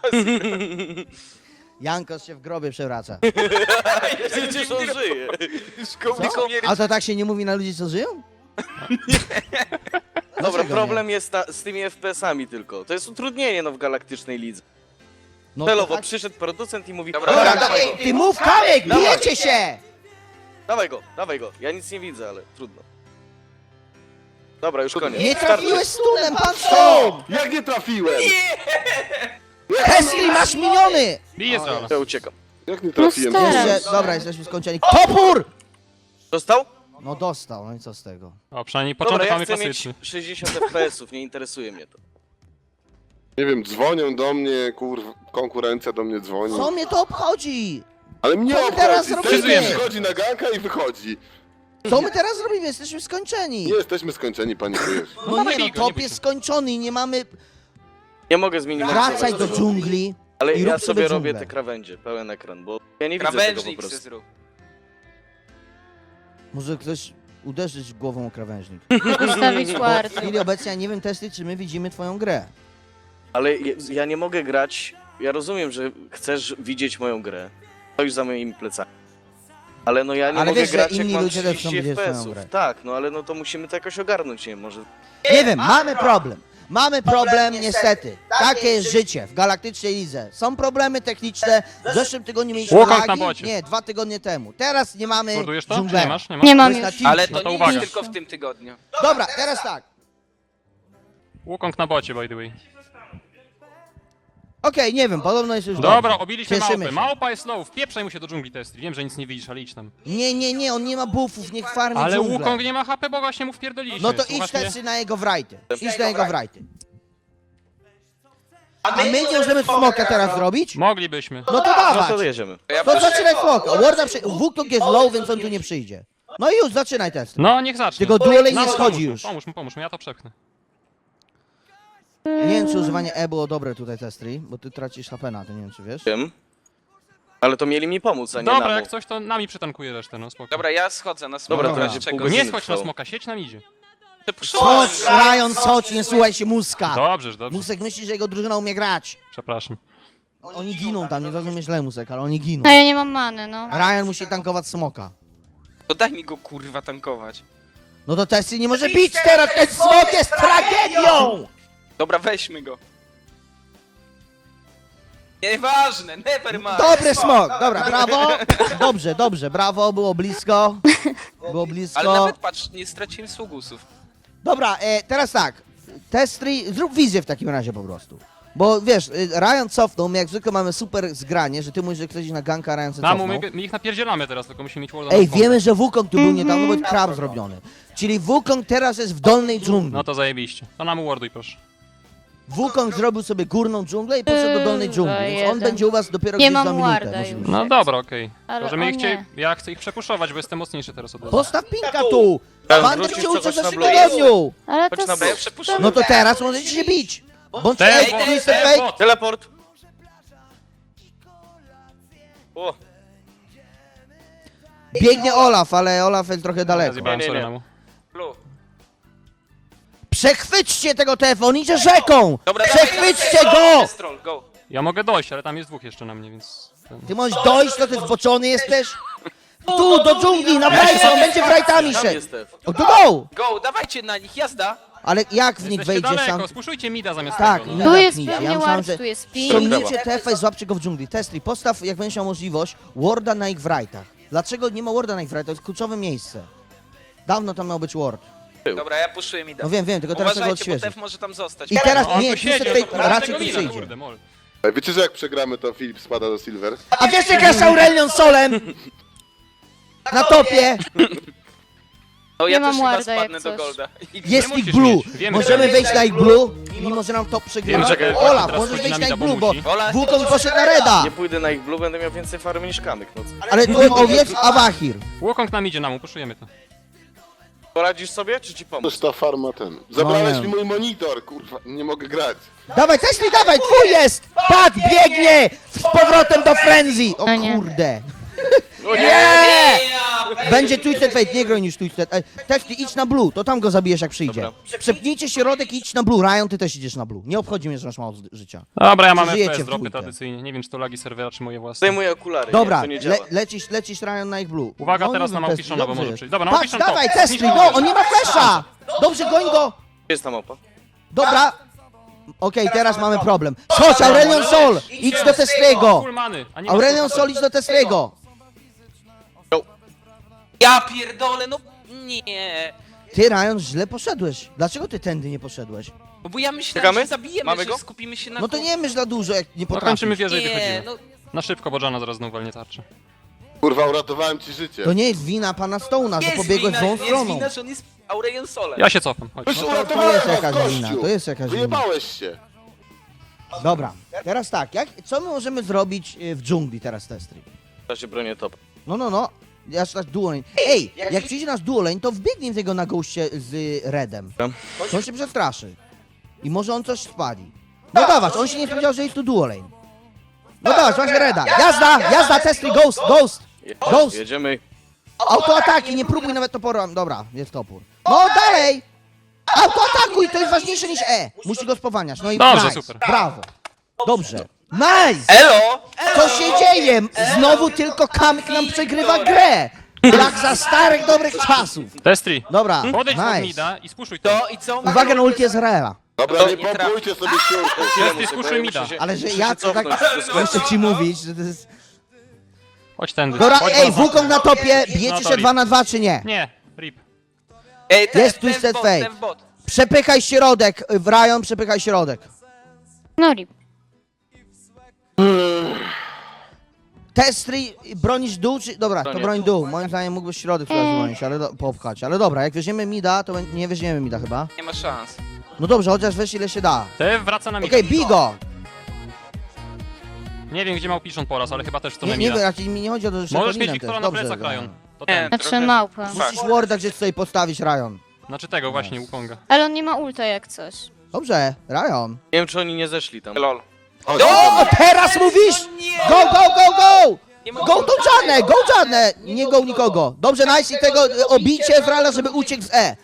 [SPEAKER 1] Jankos się w grobie przewraca.
[SPEAKER 5] Przecież on żyje.
[SPEAKER 1] Co? A to tak się nie mówi na ludzi, co żyją?
[SPEAKER 5] Dobra,
[SPEAKER 1] Dlaczego
[SPEAKER 5] problem jest z tymi FPS-ami tylko. To jest utrudnienie no w galaktycznej lidze.
[SPEAKER 1] No,
[SPEAKER 5] Celowo
[SPEAKER 1] tak.
[SPEAKER 5] przyszedł producent i mówi:
[SPEAKER 2] Dobra,
[SPEAKER 1] Dobra,
[SPEAKER 5] dawaj
[SPEAKER 1] ej, ty mów Kamyk,
[SPEAKER 5] Dawaj.
[SPEAKER 1] bijecie się!
[SPEAKER 5] dawaj go. Ja nic nie widzę, ale trudno. Dobra, już koniec.
[SPEAKER 1] Nie trafiłeś stunem, pan
[SPEAKER 6] O!
[SPEAKER 1] co?
[SPEAKER 6] Jak nie trafiłem?
[SPEAKER 1] Tesli, masz miniony!
[SPEAKER 4] Bij Ezreala.
[SPEAKER 5] Ja uciekam.
[SPEAKER 6] Jak nie trafiłem?
[SPEAKER 3] No stary.
[SPEAKER 1] Jeszcze, dobra, jesteśmy skończeni. Topór!
[SPEAKER 5] Dostał?
[SPEAKER 1] No dostał, no i co z tego?
[SPEAKER 4] O, przynajmniej
[SPEAKER 5] Dobra,
[SPEAKER 4] początek
[SPEAKER 5] ja
[SPEAKER 4] mamy
[SPEAKER 5] chcę
[SPEAKER 4] klasyczny.
[SPEAKER 5] mieć 60 FPS-ów, nie interesuje mnie to.
[SPEAKER 6] Nie wiem, dzwonią do mnie, konkurencja do mnie dzwoni.
[SPEAKER 1] Co mnie to obchodzi?
[SPEAKER 6] Ale mnie
[SPEAKER 1] Co my teraz
[SPEAKER 6] obchodzi,
[SPEAKER 1] robimy?
[SPEAKER 6] Testy wchodzi na ganka i wychodzi.
[SPEAKER 1] Co my teraz robimy? Jesteśmy skończeni.
[SPEAKER 6] Nie jesteśmy skończeni, panikujesz.
[SPEAKER 1] No
[SPEAKER 4] dawaj
[SPEAKER 1] nie,
[SPEAKER 4] bij
[SPEAKER 1] no
[SPEAKER 4] go, nie
[SPEAKER 1] top
[SPEAKER 4] bój
[SPEAKER 1] jest
[SPEAKER 4] się.
[SPEAKER 1] skończony i nie mamy...
[SPEAKER 5] Nie mogę zminimalizować.
[SPEAKER 1] Wracaj do dżungli.
[SPEAKER 5] Ale
[SPEAKER 1] i
[SPEAKER 5] ja
[SPEAKER 1] rób sobie
[SPEAKER 5] sobie robię
[SPEAKER 1] dżunglę.
[SPEAKER 5] te krawędzie, pełen ekran, bo ja nie widzę tego po
[SPEAKER 2] Krawężnik se
[SPEAKER 5] prostu.
[SPEAKER 2] zrób.
[SPEAKER 1] Może ktoś uderzyć głową o krawężnik.
[SPEAKER 3] Ustawić
[SPEAKER 1] W
[SPEAKER 3] ward.
[SPEAKER 1] chwili obecnej ja nie wiem, Testy, czy my widzimy twoją grę.
[SPEAKER 5] Ale ja nie mogę grać, ja rozumiem, że chcesz widzieć moją grę. To już za moimi plecami. Ale no ja nie
[SPEAKER 1] Ale
[SPEAKER 5] mogę
[SPEAKER 1] wiesz, że
[SPEAKER 5] grać jak
[SPEAKER 1] inni
[SPEAKER 5] mam
[SPEAKER 1] ludzie też chcą
[SPEAKER 5] 30
[SPEAKER 1] widzieć twoją
[SPEAKER 5] FPS-ów.
[SPEAKER 1] grę.
[SPEAKER 5] Tak, no ale no to musimy to jakoś ogarnąć, nie może...
[SPEAKER 1] Nie wiem, mamy problem. Mamy problem niestety. Takie jest życie w Galaktycznej Lidze. Są problemy techniczne. W zeszłym tygodniu mieliśmy
[SPEAKER 4] Łokąt na
[SPEAKER 1] lagi.
[SPEAKER 4] bocie.
[SPEAKER 1] Nie, 2 tygodnie temu. Teraz nie mamy
[SPEAKER 4] Mordujesz to? Czy
[SPEAKER 1] dżunglera.
[SPEAKER 4] nie masz? Nie masz?
[SPEAKER 3] Nie mam
[SPEAKER 1] To jest
[SPEAKER 3] już.
[SPEAKER 1] na
[SPEAKER 2] Ale
[SPEAKER 1] tilcie.
[SPEAKER 2] to
[SPEAKER 4] No to
[SPEAKER 2] nie
[SPEAKER 4] uwaga.
[SPEAKER 2] jest tylko w tym tygodniu.
[SPEAKER 1] Dobra, teraz tak.
[SPEAKER 4] Wukong na bocie, by the way.
[SPEAKER 1] Okej, nie wiem, podobno jest już
[SPEAKER 4] Dobra,
[SPEAKER 1] dobrze.
[SPEAKER 4] obiliśmy
[SPEAKER 1] Cieszymy
[SPEAKER 4] małpę.
[SPEAKER 1] się.
[SPEAKER 4] Małpa jest low, wpieprzaj mu się do dżungli testy. Wiem, że nic nie widzisz, ale idź tam.
[SPEAKER 1] Nie, on nie ma buffów, niech farmi
[SPEAKER 4] Ale
[SPEAKER 1] dżunglę.
[SPEAKER 4] Wukong nie ma HP, bo właśnie mu wpierdoliśmy.
[SPEAKER 1] No to idź
[SPEAKER 4] Słuchasz mnie?
[SPEAKER 1] Testy na jego wrajty. Idź na jego wrajty. A my nie możemy smoka teraz zrobić?
[SPEAKER 4] Moglibyśmy.
[SPEAKER 1] No to
[SPEAKER 5] No
[SPEAKER 1] dawać.
[SPEAKER 5] to jedziemy.
[SPEAKER 2] Ja
[SPEAKER 1] To zaczynaj smoka. Warda Wukong jest low, więc on tu nie przyjdzie. No i już, zaczynaj test.
[SPEAKER 4] No, niech zacznie.
[SPEAKER 1] Tylko duelej
[SPEAKER 4] No,
[SPEAKER 1] nie schodzi
[SPEAKER 4] pomóż mu,
[SPEAKER 1] już.
[SPEAKER 4] Pomóż mu, ja to przepchnę.
[SPEAKER 1] Nie wiem, czy używanie E było dobre tutaj, Testry, bo ty tracisz HP na to, nie wiem, czy wiesz.
[SPEAKER 5] Wiem. Ale to mieli mi pomóc, a nie
[SPEAKER 4] Dobra,
[SPEAKER 5] nam.
[SPEAKER 4] jak coś, to nami przetankuje resztę, no spoko.
[SPEAKER 2] Dobra, ja schodzę na smoka.
[SPEAKER 5] Dobra, to
[SPEAKER 1] Dobra.
[SPEAKER 5] będzie
[SPEAKER 2] Czego
[SPEAKER 5] pół godziny
[SPEAKER 4] Nie schodź na
[SPEAKER 5] trwało.
[SPEAKER 4] smoka, siedź nam idzie.
[SPEAKER 1] Chodź, Ryan, chodź, nie słuchaj się Muska.
[SPEAKER 4] Dobrze, dobrze.
[SPEAKER 1] Musek myśli, że jego drużyna umie grać.
[SPEAKER 4] Przepraszam.
[SPEAKER 1] Oni giną tam, nie zrozumiesz źle, Musek, ale oni giną.
[SPEAKER 3] A ja nie mam many, no.
[SPEAKER 1] Ryan musi tankować smoka.
[SPEAKER 2] To daj mi go kurwa tankować.
[SPEAKER 1] No to Testy nie może bić teraz, ten smok jest tragedią!
[SPEAKER 2] Dobra, weźmy go. Nieważne, never mind.
[SPEAKER 1] Dobry smok, dobra, brawo. Dobrze, brawo, było blisko. Było
[SPEAKER 2] Ale
[SPEAKER 1] blisko.
[SPEAKER 2] nawet patrz, nie straciłem sługusów.
[SPEAKER 1] Dobra, teraz tak. Testry, zrób wizję w takim razie po prostu. Bo wiesz, Ryan cofnął, my jak zwykle mamy super zgranie, że ty mówisz, że ktoś na ganka, Ryan se
[SPEAKER 4] Namu,
[SPEAKER 1] cofnął.
[SPEAKER 4] my ich napierdzielamy teraz, tylko musimy mieć warda
[SPEAKER 1] Ej,
[SPEAKER 4] na
[SPEAKER 1] wiemy, że Wukong tu był niedawno, bo jest krab zrobiony. Czyli Wukong teraz jest w dolnej dżungli.
[SPEAKER 4] No to zajebiście. To Namu warduj, proszę.
[SPEAKER 1] Wukong zrobił sobie górną dżunglę i poszedł do dolnej dżungli, więc on
[SPEAKER 3] jeden.
[SPEAKER 1] będzie u was dopiero
[SPEAKER 3] Nie
[SPEAKER 1] gdzieś za
[SPEAKER 3] mam
[SPEAKER 1] minutę.
[SPEAKER 3] warda
[SPEAKER 1] może
[SPEAKER 3] już.
[SPEAKER 1] być.
[SPEAKER 4] No dobra, okej.
[SPEAKER 3] Ale
[SPEAKER 4] To, że my
[SPEAKER 3] o
[SPEAKER 4] ich
[SPEAKER 3] nie.
[SPEAKER 4] ja chcę ich przepuszować, bo jestem mocniejszy teraz od was.
[SPEAKER 1] Postaw pinka tu!
[SPEAKER 5] Tam
[SPEAKER 1] Wander
[SPEAKER 5] wrócisz,
[SPEAKER 1] cię
[SPEAKER 5] to
[SPEAKER 1] uczy w
[SPEAKER 5] chodź na
[SPEAKER 1] zeszłym
[SPEAKER 5] blok.
[SPEAKER 1] tygodniu!
[SPEAKER 3] Ale
[SPEAKER 5] Chodź
[SPEAKER 3] to
[SPEAKER 5] na
[SPEAKER 2] To ja
[SPEAKER 5] bok.
[SPEAKER 2] przepuszczę.
[SPEAKER 1] No to teraz możecie się bić! Bądź
[SPEAKER 4] Tej,
[SPEAKER 1] fake, twisted fake!
[SPEAKER 4] bot.
[SPEAKER 5] Teleport! O,
[SPEAKER 1] Biegnie Olaf, ale Olaf jest trochę
[SPEAKER 4] Ja
[SPEAKER 1] daleko.
[SPEAKER 4] zjebałem,
[SPEAKER 5] Nie, nie,
[SPEAKER 4] sorry,
[SPEAKER 5] nie.
[SPEAKER 4] Namu.
[SPEAKER 2] Blue.
[SPEAKER 1] Przechwyćcie tego TF, on idzie rzeką!
[SPEAKER 2] Dobra,
[SPEAKER 1] Przechwyćcie
[SPEAKER 2] dawaj,
[SPEAKER 1] go!
[SPEAKER 2] Destrol, go.
[SPEAKER 4] Ja mogę dojść, ale tam jest dwóch jeszcze na mnie, więc...
[SPEAKER 1] Ty możesz dojść, to ty zboczony jesteś? Tu, do dżungli, na brajcie, on będzie brajtami
[SPEAKER 5] tam
[SPEAKER 1] szedł!
[SPEAKER 5] jest Stef.
[SPEAKER 1] O, to go!
[SPEAKER 2] Go, dawajcie na nich, jazda.
[SPEAKER 1] Ale jak w nich
[SPEAKER 4] Jesteście
[SPEAKER 1] wejdziesz sam?
[SPEAKER 4] daleko, spuszujcie mida zamiast
[SPEAKER 1] Tak,
[SPEAKER 4] tego.
[SPEAKER 1] nie.
[SPEAKER 3] Tu jest
[SPEAKER 1] Napnijcie. Ja
[SPEAKER 3] pewnie
[SPEAKER 1] myślałem,
[SPEAKER 3] ward,
[SPEAKER 1] że
[SPEAKER 3] tu jest ping.
[SPEAKER 1] Ściągnijcie TF i złapcie go w dżungli. Testry, postaw, jak będziesz miał możliwość, warda na ich wrajtach. Dlaczego nie ma warda na ich wrajtach? To jest kluczowe miejsce. Dawno tam miał być ward.
[SPEAKER 2] Dobra, ja puszuję mi
[SPEAKER 1] No wiem, tylko teraz trzeba go
[SPEAKER 2] Uważajcie, bo
[SPEAKER 1] odświeżyć.
[SPEAKER 2] Tef może tam zostać.
[SPEAKER 1] I teraz,
[SPEAKER 4] No, on
[SPEAKER 1] nie,
[SPEAKER 4] tu siedzi,
[SPEAKER 1] Twisted
[SPEAKER 4] on
[SPEAKER 1] Fate
[SPEAKER 4] tu
[SPEAKER 1] raczej
[SPEAKER 4] tego
[SPEAKER 1] tu
[SPEAKER 4] mina,
[SPEAKER 1] przyjdzie.
[SPEAKER 4] kurde, mol.
[SPEAKER 6] Ej, wiecie, że jak przegramy, to Filip spada do Silver?
[SPEAKER 1] A wiesz, jak grasz Aurelion Solem? Na topie
[SPEAKER 2] No ja
[SPEAKER 3] Nie
[SPEAKER 2] też
[SPEAKER 3] mam
[SPEAKER 2] chyba
[SPEAKER 3] warda,
[SPEAKER 2] spadnę
[SPEAKER 3] jak
[SPEAKER 2] do
[SPEAKER 3] coś.
[SPEAKER 2] Golda.
[SPEAKER 1] jest
[SPEAKER 4] Nie
[SPEAKER 1] ich
[SPEAKER 4] musisz
[SPEAKER 1] blue.
[SPEAKER 4] mieć. Wiemy,
[SPEAKER 1] Możemy
[SPEAKER 4] że-
[SPEAKER 1] wejść na ich blue, mimo że nam top
[SPEAKER 4] Wiemy,
[SPEAKER 1] przegrywa.
[SPEAKER 4] że-
[SPEAKER 1] Olaf,
[SPEAKER 4] teraz
[SPEAKER 1] możesz
[SPEAKER 4] chodzi
[SPEAKER 1] wejść
[SPEAKER 4] na
[SPEAKER 1] na ich
[SPEAKER 4] mida,
[SPEAKER 1] blue,
[SPEAKER 4] bo
[SPEAKER 1] bo
[SPEAKER 4] musi.
[SPEAKER 2] Ola,
[SPEAKER 1] Wukong poszedł na reda.
[SPEAKER 5] Nie pójdę na ich blue, będę miał więcej farmy niż kamyk. No,
[SPEAKER 1] Ale tu owiec Awahir.
[SPEAKER 4] Wukong nam idzie, Namu, puszujemy to.
[SPEAKER 5] poradzisz sobie, czy ci pomóc?
[SPEAKER 6] Toż ta farma ten. Zabrałeś
[SPEAKER 1] nie.
[SPEAKER 6] mi mój monitor, kurwa, nie mogę grać.
[SPEAKER 1] Dawaj, Tesli, dawaj, twój jest! Pat, biegnie! Z powrotem do Frenzy! O
[SPEAKER 3] No nie.
[SPEAKER 1] kurde.
[SPEAKER 5] O
[SPEAKER 1] Nie! Będzie Twisted Fate, nie groń niż Twisted. Tesli, idź na blue, to tam go zabijesz jak przyjdzie.
[SPEAKER 5] Dobra.
[SPEAKER 1] Przepnijcie środek i idź na blue. Ryan, ty też idziesz na blue. Nie obchodzi mnie, że masz mało życia.
[SPEAKER 4] Dobra, ja mam
[SPEAKER 1] Żyjecie
[SPEAKER 4] FPS
[SPEAKER 1] w
[SPEAKER 4] dropy
[SPEAKER 1] dwójkę.
[SPEAKER 4] tradycyjnie. Nie wiem, czy to lagi serwera, czy moje własne.
[SPEAKER 5] Zdejmuję okulary,
[SPEAKER 1] Dobra,
[SPEAKER 5] nie, to nie działa.
[SPEAKER 1] lecisz Ryan na ich blue.
[SPEAKER 4] Uwaga,
[SPEAKER 1] No,
[SPEAKER 4] teraz
[SPEAKER 1] nie
[SPEAKER 4] na
[SPEAKER 1] wiem,
[SPEAKER 4] Małpiszona, bo
[SPEAKER 1] dobrze
[SPEAKER 4] może
[SPEAKER 1] jest.
[SPEAKER 4] przyjść. Dobra,
[SPEAKER 1] Patrz,
[SPEAKER 4] Małpiszon
[SPEAKER 1] dawaj,
[SPEAKER 4] top.
[SPEAKER 1] Tesli,
[SPEAKER 4] Zniszczymy
[SPEAKER 1] go,
[SPEAKER 4] go.
[SPEAKER 1] on nie ma flesza! Dobrze, goń go!
[SPEAKER 5] Gdzie jest ta mapa?
[SPEAKER 1] Dobra. Okej, teraz mamy problem. Chodź, Aurelion Sol! Idź do Testriego!
[SPEAKER 4] Full many, a nie ma
[SPEAKER 1] Aurelion
[SPEAKER 4] full-
[SPEAKER 1] Sol, idź do Testriego!
[SPEAKER 2] Ja pierdolę, no nie.
[SPEAKER 1] Ty, Ryan, źle poszedłeś. Dlaczego ty tędy nie poszedłeś?
[SPEAKER 2] No bo ja myślałem,
[SPEAKER 5] Czekamy?
[SPEAKER 2] że zabijemy,
[SPEAKER 5] Mamy
[SPEAKER 2] że
[SPEAKER 5] go?
[SPEAKER 2] skupimy się na...
[SPEAKER 1] No to nie myśl za dużo, jak nie
[SPEAKER 4] No kończymy
[SPEAKER 1] potrafisz.
[SPEAKER 4] wieżę i
[SPEAKER 2] Nie,
[SPEAKER 4] wychodzimy.
[SPEAKER 2] no
[SPEAKER 4] Na szybko, bo Jana zaraz znowu walnie tarczę.
[SPEAKER 6] Kurwa, uratowałem ci życie.
[SPEAKER 1] To nie jest wina pana Stone'a, że
[SPEAKER 2] jest
[SPEAKER 1] pobiegłeś
[SPEAKER 2] wina,
[SPEAKER 1] złą
[SPEAKER 2] jest
[SPEAKER 1] stroną.
[SPEAKER 2] wina, że on jest Aurelion Solem.
[SPEAKER 4] Ja się cofam, chodź.
[SPEAKER 6] Weź
[SPEAKER 1] No to
[SPEAKER 6] uratowałem
[SPEAKER 1] jest
[SPEAKER 6] was,
[SPEAKER 1] jakaś
[SPEAKER 6] gościu.
[SPEAKER 1] wina, to jest jakaś wina.
[SPEAKER 6] Wyjebałeś się.
[SPEAKER 1] Dobra, teraz tak, co my możemy zrobić w dżungli teraz, Testry?
[SPEAKER 5] W razie bronię top.
[SPEAKER 1] No. Aż tak duo lane. Ej, jak przyjdzie nasz duo lane, to wbiegnie w tego na goście z Redem. To on się przestraszy. I może on coś spali. No dawać, on się nie spodziewał, że jest tu duo lane. No dawać, właśnie Reda. Jazda, testy, ghost. Ghost.
[SPEAKER 5] Jedziemy.
[SPEAKER 1] Autoataki, nie próbuj nawet toporem. Dobra, jest topór. No dalej! Autoatakuj, to jest ważniejsze niż E. Musi go spowalniać. No i
[SPEAKER 4] Dobrze,
[SPEAKER 1] nice.
[SPEAKER 4] super.
[SPEAKER 1] Brawo. Dobrze. Nice!
[SPEAKER 2] Elo!
[SPEAKER 1] Co się dzieje? Znowu tylko Kamyk nam przegrywa grę. Jak za starych, dobrych czasów.
[SPEAKER 4] Destri,
[SPEAKER 1] Dobra,
[SPEAKER 4] podejdź pod
[SPEAKER 1] nice.
[SPEAKER 4] mida i spuszuj to.
[SPEAKER 2] To i co?
[SPEAKER 1] Uwaga na ulti Ezreala.
[SPEAKER 6] Dobra,
[SPEAKER 2] To
[SPEAKER 6] nie
[SPEAKER 2] nie
[SPEAKER 6] pompujcie sobie siurku.
[SPEAKER 4] Destri, spuszuj mida.
[SPEAKER 1] Ale że
[SPEAKER 5] muszę
[SPEAKER 1] ja
[SPEAKER 5] się
[SPEAKER 1] co tak...
[SPEAKER 5] cofnąć, wszystko.
[SPEAKER 1] Muszę ci mówić, że to jest...
[SPEAKER 4] Chodź tędy.
[SPEAKER 1] Dobra,
[SPEAKER 4] Chodź
[SPEAKER 1] ej,
[SPEAKER 4] na zasadę.
[SPEAKER 1] Wukong na topie,
[SPEAKER 4] No
[SPEAKER 1] bijecie
[SPEAKER 4] to
[SPEAKER 1] się
[SPEAKER 4] rip.
[SPEAKER 1] 2 na 2 czy nie?
[SPEAKER 4] Nie, rip.
[SPEAKER 2] Ej,
[SPEAKER 1] Jest Twisted Fate. Przepychaj środek, Ryan, przepychaj środek.
[SPEAKER 3] No rip.
[SPEAKER 1] Testry, bronisz dół czy... Dobra, to
[SPEAKER 5] Bronię.
[SPEAKER 1] broń dół. Moim zdaniem mógłbyś środek teraz bronić, ale popchać. Ale dobra, jak weźmiemy mida, to nie weźmiemy mida chyba.
[SPEAKER 2] Nie ma szans.
[SPEAKER 1] No dobrze, chociaż weź ile się da.
[SPEAKER 4] Te wraca na mida.
[SPEAKER 1] Okej, bij go!
[SPEAKER 4] Nie wiem, gdzie miał piszą po raz, ale chyba też w stronę
[SPEAKER 1] Nie,
[SPEAKER 4] mida.
[SPEAKER 1] raczej mi nie chodzi o to, że
[SPEAKER 4] Możesz
[SPEAKER 1] Szepolinem
[SPEAKER 4] mieć
[SPEAKER 1] też.
[SPEAKER 4] Wiktora na
[SPEAKER 1] Dobrze,
[SPEAKER 4] plecach,
[SPEAKER 1] no.
[SPEAKER 4] Ryan. To
[SPEAKER 2] Nie.
[SPEAKER 4] ten.
[SPEAKER 3] Znaczy
[SPEAKER 2] Trochę-
[SPEAKER 3] małpa.
[SPEAKER 1] Musisz warda gdzieś sobie postawić, Ryan.
[SPEAKER 4] Znaczy tego właśnie, Wukonga.
[SPEAKER 3] Ale on nie ma ulta jak coś.
[SPEAKER 1] Dobrze, Ryan.
[SPEAKER 5] Nie wiem, czy oni nie zeszli tam.
[SPEAKER 2] Lol.
[SPEAKER 6] Chodź.
[SPEAKER 1] O, teraz mówisz! Go!
[SPEAKER 2] Nie
[SPEAKER 1] Go to Janę! Nie go nikogo. Dobrze, nice i tego obicie Ezreala, żeby uciekł z E.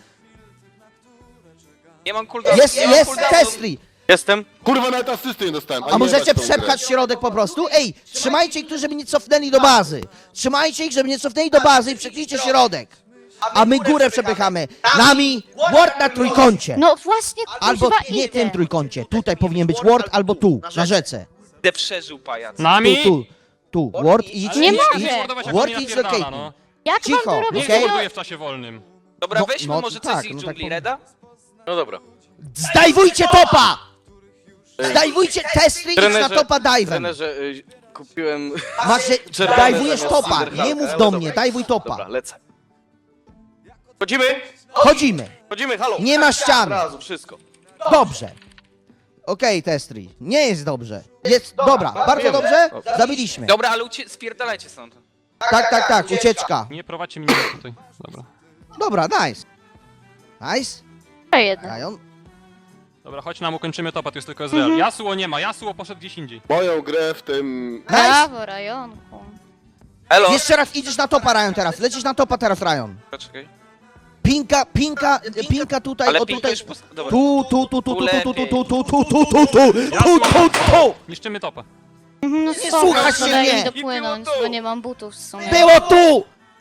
[SPEAKER 2] Nie mam cooldownu.
[SPEAKER 1] Jest
[SPEAKER 2] nie mam cooldownu.
[SPEAKER 1] Testry.
[SPEAKER 5] Jestem.
[SPEAKER 6] Kurwa, nawet asysty nie dostałem.
[SPEAKER 1] A
[SPEAKER 6] nie
[SPEAKER 1] możecie
[SPEAKER 6] jebać tą grę.
[SPEAKER 1] przepchać środek po prostu? Ej, trzymajcie ich tu, żeby nie cofnęli do bazy. Trzymajcie ich, żeby nie cofnęli do bazy i przeklijcie środek. A my górę przepychamy. Nami ward na trójkącie.
[SPEAKER 3] No właśnie,
[SPEAKER 1] Albo
[SPEAKER 3] kuźwa,
[SPEAKER 1] nie
[SPEAKER 3] idę.
[SPEAKER 1] tym trójkącie. Tutaj powinien być ward albo tu, na rzece.
[SPEAKER 2] Będę przeżył pajac.
[SPEAKER 4] Nami?
[SPEAKER 1] Tu. Ward idź,
[SPEAKER 3] Nie
[SPEAKER 1] idź,
[SPEAKER 3] mogę.
[SPEAKER 1] idź.
[SPEAKER 4] Mordować, jak
[SPEAKER 1] Ward
[SPEAKER 4] oni
[SPEAKER 1] idź do
[SPEAKER 4] napierdala,
[SPEAKER 1] Caitlyn.
[SPEAKER 4] no.
[SPEAKER 3] Jak mam
[SPEAKER 1] Cicho,
[SPEAKER 3] to robić?
[SPEAKER 4] Niech
[SPEAKER 1] okej?
[SPEAKER 3] No,
[SPEAKER 4] morduje w czasie wolnym.
[SPEAKER 2] Dobra,
[SPEAKER 1] No,
[SPEAKER 2] weźmy
[SPEAKER 1] no,
[SPEAKER 2] może
[SPEAKER 1] tak,
[SPEAKER 2] coś z ich
[SPEAKER 1] no tak
[SPEAKER 2] dżungli,
[SPEAKER 1] powiem.
[SPEAKER 2] Reda?
[SPEAKER 5] No dobra.
[SPEAKER 1] Zdajwujcie topa! Zdajwujcie Testry, idź na topa dive'em.
[SPEAKER 5] Trenerze, kupiłem...
[SPEAKER 1] Macie,
[SPEAKER 5] Czerwony
[SPEAKER 1] dajwujesz
[SPEAKER 5] zamiast
[SPEAKER 1] topa,
[SPEAKER 5] Silverhawka,
[SPEAKER 1] nie mów
[SPEAKER 5] ale
[SPEAKER 1] do
[SPEAKER 5] dobra.
[SPEAKER 1] mnie, dajwuj topa.
[SPEAKER 5] Dobra, lecę. Chodzimy!
[SPEAKER 1] Chodzimy.
[SPEAKER 5] Halo!
[SPEAKER 1] Nie ma
[SPEAKER 5] Od
[SPEAKER 1] ściany.
[SPEAKER 5] razu, wszystko.
[SPEAKER 1] Dobrze. Okej, Testry. Nie jest dobrze. Jest dobra, bardzo dobrze. Zabiliśmy.
[SPEAKER 2] Dobra, ale spierdalajcie stąd.
[SPEAKER 1] Tak, ucieczka.
[SPEAKER 4] Nie prowadźcie mnie tutaj. Dobra.
[SPEAKER 1] Dobra, nice. Nice.
[SPEAKER 3] jeden.
[SPEAKER 1] Ryan.
[SPEAKER 4] Dobra, chodź nam, ukończymy topa, tu jest tylko Ezreal. Yasuo nie ma, Yasuo poszedł gdzieś indziej.
[SPEAKER 6] Moją grę w tym...
[SPEAKER 1] Nice.
[SPEAKER 3] Brawo, Rajonku.
[SPEAKER 2] Elo!
[SPEAKER 1] Jeszcze raz idziesz na topa, Ryan, teraz. Lecisz na topa teraz, Ryan.
[SPEAKER 2] Poczekaj.
[SPEAKER 1] Pinka tutaj,
[SPEAKER 2] Ale
[SPEAKER 1] o
[SPEAKER 2] pinka
[SPEAKER 1] tutaj.
[SPEAKER 2] już Dobra.
[SPEAKER 1] Tu.
[SPEAKER 4] Niszczymy topa.
[SPEAKER 3] No
[SPEAKER 1] Nie
[SPEAKER 3] spoko,
[SPEAKER 1] słuchasz się
[SPEAKER 3] daj
[SPEAKER 1] mnie.
[SPEAKER 3] mi dopłynąć, bo nie mam butów w sumie.
[SPEAKER 1] Było tu!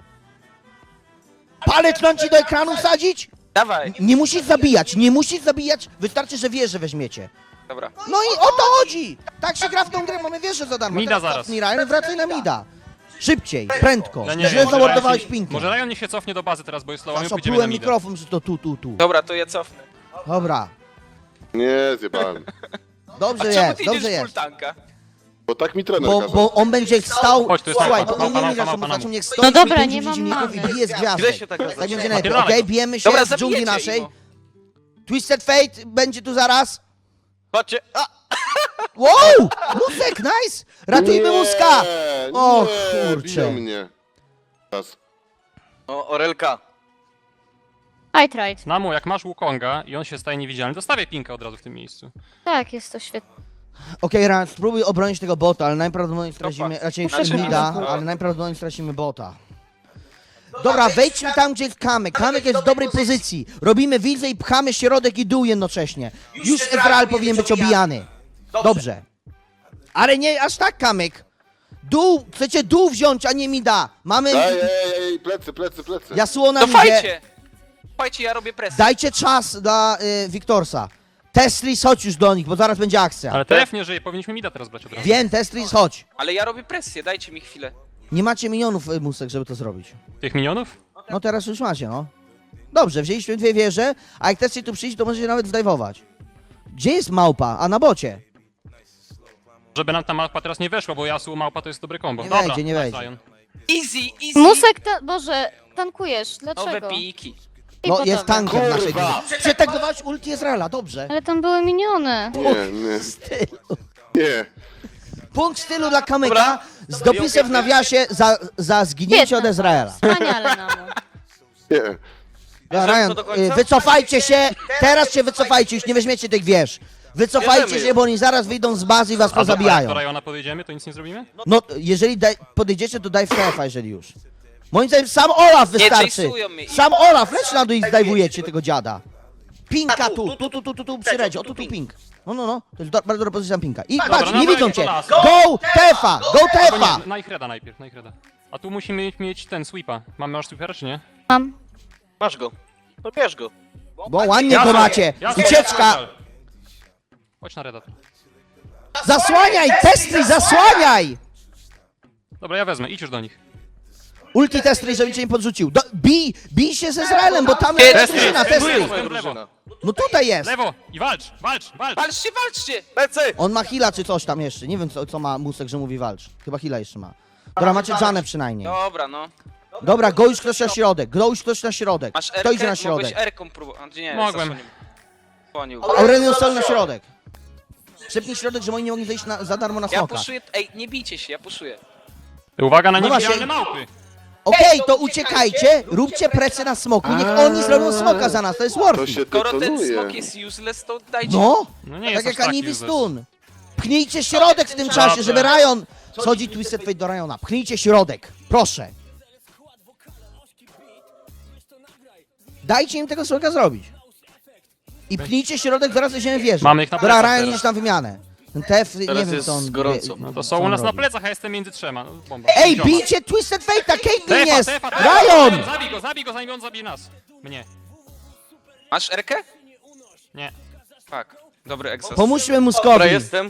[SPEAKER 1] Palec mam ci do ekranu wsadzić?
[SPEAKER 2] Dawaj.
[SPEAKER 1] Nie musisz zabijać, wystarczy, że wieżę weźmiecie.
[SPEAKER 2] Dobra.
[SPEAKER 1] No i o to chodzi! Tak się gra w tą grę, mamy wieżę za darmo.
[SPEAKER 4] Mida
[SPEAKER 1] Teraz
[SPEAKER 4] zaraz.
[SPEAKER 1] cofnij, Ryan, wracaj na mida. Szybciej, prędko.
[SPEAKER 4] Ja nie
[SPEAKER 1] Źle
[SPEAKER 4] wiem, może
[SPEAKER 1] zamordowałeś
[SPEAKER 4] Ryan się-
[SPEAKER 1] pinkę.
[SPEAKER 4] Może Ryan niech się cofnie do bazy teraz, bo jest low, a my pójdziemy na
[SPEAKER 1] Zaszoplułem
[SPEAKER 4] mida.
[SPEAKER 1] mikrofon, że to tu.
[SPEAKER 2] Dobra, to ja cofnę.
[SPEAKER 1] Dobra,
[SPEAKER 6] Nie, zjebałem.
[SPEAKER 2] A
[SPEAKER 1] dobrze
[SPEAKER 2] czemu
[SPEAKER 1] jest,
[SPEAKER 2] ty
[SPEAKER 1] dobrze
[SPEAKER 2] idziesz full
[SPEAKER 1] jest.
[SPEAKER 2] tanka?
[SPEAKER 6] Bo tak mi trener
[SPEAKER 1] Bo,
[SPEAKER 6] kazał.
[SPEAKER 1] bo on będzie stał.
[SPEAKER 4] Chodź, tu jest
[SPEAKER 1] Słuchaj,
[SPEAKER 4] małpa,
[SPEAKER 1] bo
[SPEAKER 4] małpa,
[SPEAKER 1] nie widać,
[SPEAKER 4] małpa,
[SPEAKER 1] że
[SPEAKER 4] małpa.
[SPEAKER 1] niech stoi.
[SPEAKER 3] No dobra,
[SPEAKER 1] pięciu
[SPEAKER 3] nie mam
[SPEAKER 1] przeciwników i
[SPEAKER 3] mamy.
[SPEAKER 1] bije z gwiazdek.
[SPEAKER 5] Źle się tak
[SPEAKER 1] Tak
[SPEAKER 5] nazywa.
[SPEAKER 1] będzie najlepiej,
[SPEAKER 4] Napierdalaj.
[SPEAKER 1] okej? Bijemy się
[SPEAKER 2] Dobra,
[SPEAKER 1] w dżungli
[SPEAKER 2] zabijecie
[SPEAKER 1] naszej.
[SPEAKER 2] ich,
[SPEAKER 1] Twisted Fate będzie tu zaraz.
[SPEAKER 5] Chodźcie! A!
[SPEAKER 1] Wow! Musek, nice! Ratujmy Muska! O,
[SPEAKER 6] nie,
[SPEAKER 1] kurczę.
[SPEAKER 6] biją mnie. Teraz.
[SPEAKER 5] O, Orelka.
[SPEAKER 3] I tried.
[SPEAKER 4] Namu, jak masz Wukonga i on się staje niewidzialny, to stawię pinkę od razu w tym miejscu.
[SPEAKER 3] Tak, jest to świetne.
[SPEAKER 1] Okej, Ran, spróbuj obronić tego bota, ale najprawdopodobniej stracimy,
[SPEAKER 2] Topa.
[SPEAKER 1] raczej
[SPEAKER 2] Znaczy,
[SPEAKER 1] mida,
[SPEAKER 2] no.
[SPEAKER 1] ale najprawdopodobniej stracimy bota. Dobra, wejdźmy tam, gdzie jest Kamyk. Kamyk jest w dobrej pozycji. Robimy wilzę i pchamy środek i dół jednocześnie. Już Ezreal powinien być obijany. Dobrze. Ale nie aż tak, Kamyk. Dół, chcecie dół wziąć, a nie mida. Mamy...
[SPEAKER 6] Ej, plecy.
[SPEAKER 1] Yasuo na
[SPEAKER 2] To
[SPEAKER 1] midzie.
[SPEAKER 2] fajcie! Fajcie, ja robię presję.
[SPEAKER 1] Dajcie czas dla Wiktorsa. Testris, chodź już do nich, bo zaraz będzie akcja.
[SPEAKER 4] Ale TF nie żyje, powinniśmy mida teraz brać od razu.
[SPEAKER 1] Wiem, Testris, chodź.
[SPEAKER 2] Ale ja robię presję, dajcie mi chwilę.
[SPEAKER 1] Nie macie minionów, Musek, żeby to zrobić.
[SPEAKER 4] Tych minionów?
[SPEAKER 1] No teraz już macie, no. Dobrze, wzięliśmy 2 wieże, a jak chcecie tu przyjść, to możecie nawet zdajwować. Gdzie jest małpa? A na bocie.
[SPEAKER 4] Żeby nam ta małpa teraz nie weszła, bo Yasuo małpa to jest dobry kombo.
[SPEAKER 1] Nie
[SPEAKER 4] Dobra,
[SPEAKER 1] wejdzie, nie
[SPEAKER 4] nice,
[SPEAKER 1] wejdzie.
[SPEAKER 4] Ryan.
[SPEAKER 2] Easy!
[SPEAKER 3] Musek, Boże, tankujesz,
[SPEAKER 2] Nowe
[SPEAKER 3] dlaczego?
[SPEAKER 2] piki.
[SPEAKER 3] I
[SPEAKER 1] No,
[SPEAKER 3] gotowe.
[SPEAKER 1] jest tankiem w naszej
[SPEAKER 6] Kurwa.
[SPEAKER 1] grze. Przetankować ulti Ezreala, dobrze.
[SPEAKER 3] Ale tam były miniony.
[SPEAKER 6] Nie.
[SPEAKER 1] Stylu.
[SPEAKER 6] Nie.
[SPEAKER 1] Punkt stylu dla Kamyka.
[SPEAKER 2] Dobra.
[SPEAKER 1] z dopisem w nawiasie za zginięcie od Izraela.
[SPEAKER 3] Wspaniale, Namu.
[SPEAKER 6] Nie.
[SPEAKER 1] Ja, Ryan, wycofajcie się, teraz się wycofajcie, już nie weźmiecie tych wież. Wycofajcie
[SPEAKER 5] Bierzemy
[SPEAKER 1] się, bo oni zaraz wyjdą z bazy i was
[SPEAKER 4] A
[SPEAKER 1] pozabijają.
[SPEAKER 4] do Rajona podejdziemy, to nic nie zrobimy?
[SPEAKER 1] No, jeżeli podejdziecie, to daj w TF-a, jeżeli już. Moim zdaniem sam Olaf wystarczy.
[SPEAKER 2] chase'ują mnie.
[SPEAKER 1] Sam Olaf, leć na dół i zdajwujecie tego dziada. Pinka tu, przy redzie, o tu ping. No, to jest bardzo dobra pozycja Pinka. I patrz,
[SPEAKER 4] no
[SPEAKER 1] nie
[SPEAKER 4] dawaj,
[SPEAKER 1] widzą
[SPEAKER 4] to
[SPEAKER 1] cię.
[SPEAKER 4] las.
[SPEAKER 1] Go TF-a, go
[SPEAKER 4] Albo
[SPEAKER 1] TF-a.
[SPEAKER 4] nie, na ich reda najpierw, na ich reda. A tu musimy mieć ten sweepa. Masz sweepera, czy nie?
[SPEAKER 3] Mam.
[SPEAKER 5] Masz go. No bierz go.
[SPEAKER 1] Bo ładnie go macie. Ucieczka.
[SPEAKER 4] Chodź na reda.
[SPEAKER 1] Zasłaniaj, Testry, zasłaniaj.
[SPEAKER 4] Dobra, ja wezmę, idź już do nich.
[SPEAKER 1] Ulti Testry, żeby cię nie podrzucił. Bij się z Izraelem, bo tam
[SPEAKER 2] Testry,
[SPEAKER 1] jest drużyna,
[SPEAKER 4] Testry.
[SPEAKER 1] Testry.
[SPEAKER 4] Testry.
[SPEAKER 5] Drużyna.
[SPEAKER 1] No tutaj jest.
[SPEAKER 4] Lewo! I walcz!
[SPEAKER 2] Walczcie, walczcie!
[SPEAKER 5] Lecę!
[SPEAKER 1] On ma heala czy coś tam jeszcze. Nie wiem co ma Musek, że mówi walcz. Chyba heala jeszcze ma. Dobra, macie Janę przynajmniej.
[SPEAKER 2] Dobra, no.
[SPEAKER 1] Dobra, go już ktoś na środek. Go już ktoś na środek.
[SPEAKER 2] Masz
[SPEAKER 1] Kto idzie
[SPEAKER 2] Erkę?
[SPEAKER 1] na środek?
[SPEAKER 2] Mogłeś Erką próbować. Nie,
[SPEAKER 4] Mogłem.
[SPEAKER 2] Słonił.
[SPEAKER 1] Aurelion Sol na środek. Szybki środek, że oni nie mogli zejść za darmo na
[SPEAKER 2] Ja
[SPEAKER 1] smoka.
[SPEAKER 2] puszuję, ej, nie bijcie się, ja puszuję.
[SPEAKER 4] Uwaga na
[SPEAKER 1] No
[SPEAKER 4] niewidzialne
[SPEAKER 1] właśnie.
[SPEAKER 4] małpy!
[SPEAKER 1] Okej, to uciekajcie, róbcie presję na smoku. Niech oni zrobią smoka za nas, to jest
[SPEAKER 6] To
[SPEAKER 1] worth.
[SPEAKER 6] się
[SPEAKER 2] Skoro ten
[SPEAKER 6] detonuje.
[SPEAKER 2] smok jest useless, to dajcie.
[SPEAKER 1] No,
[SPEAKER 4] No nie
[SPEAKER 1] tak
[SPEAKER 4] jest
[SPEAKER 1] jak
[SPEAKER 4] aż taki
[SPEAKER 1] Anibi
[SPEAKER 4] useless.
[SPEAKER 1] Stun. Pchnijcie środek w tym czasie, żeby Ryan... Schodzi Twisted Fate do Ryana. Pchnijcie środek, proszę. Dajcie im tego smoka zrobić. I pchnijcie środek, zaraz weźmiemy wieżę.
[SPEAKER 4] Mamy ich na
[SPEAKER 1] Dobra,
[SPEAKER 4] plecach
[SPEAKER 1] Ryan
[SPEAKER 4] teraz.
[SPEAKER 1] idziesz tam wymianę. Ten TF, nie
[SPEAKER 5] Teraz
[SPEAKER 1] wiem
[SPEAKER 5] jest
[SPEAKER 1] co on...
[SPEAKER 5] gorąco.
[SPEAKER 4] No to
[SPEAKER 1] co
[SPEAKER 4] są u
[SPEAKER 1] on
[SPEAKER 4] nas na
[SPEAKER 1] robi.
[SPEAKER 4] plecach, a jestem między trzema. No, bomba.
[SPEAKER 1] Ej,
[SPEAKER 4] Dzioma.
[SPEAKER 1] bijcie Twisted Fate'a, Caitlyn
[SPEAKER 4] Tefa,
[SPEAKER 1] jest!
[SPEAKER 4] tefa,
[SPEAKER 1] Ryan!
[SPEAKER 4] Zabij go, zanim on zabije nas. Mnie.
[SPEAKER 2] Masz Erkę?
[SPEAKER 4] Nie.
[SPEAKER 2] Tak. Dobry egzos.
[SPEAKER 1] Pomóżmy
[SPEAKER 5] Dobra,
[SPEAKER 1] Muskowi.
[SPEAKER 5] jestem.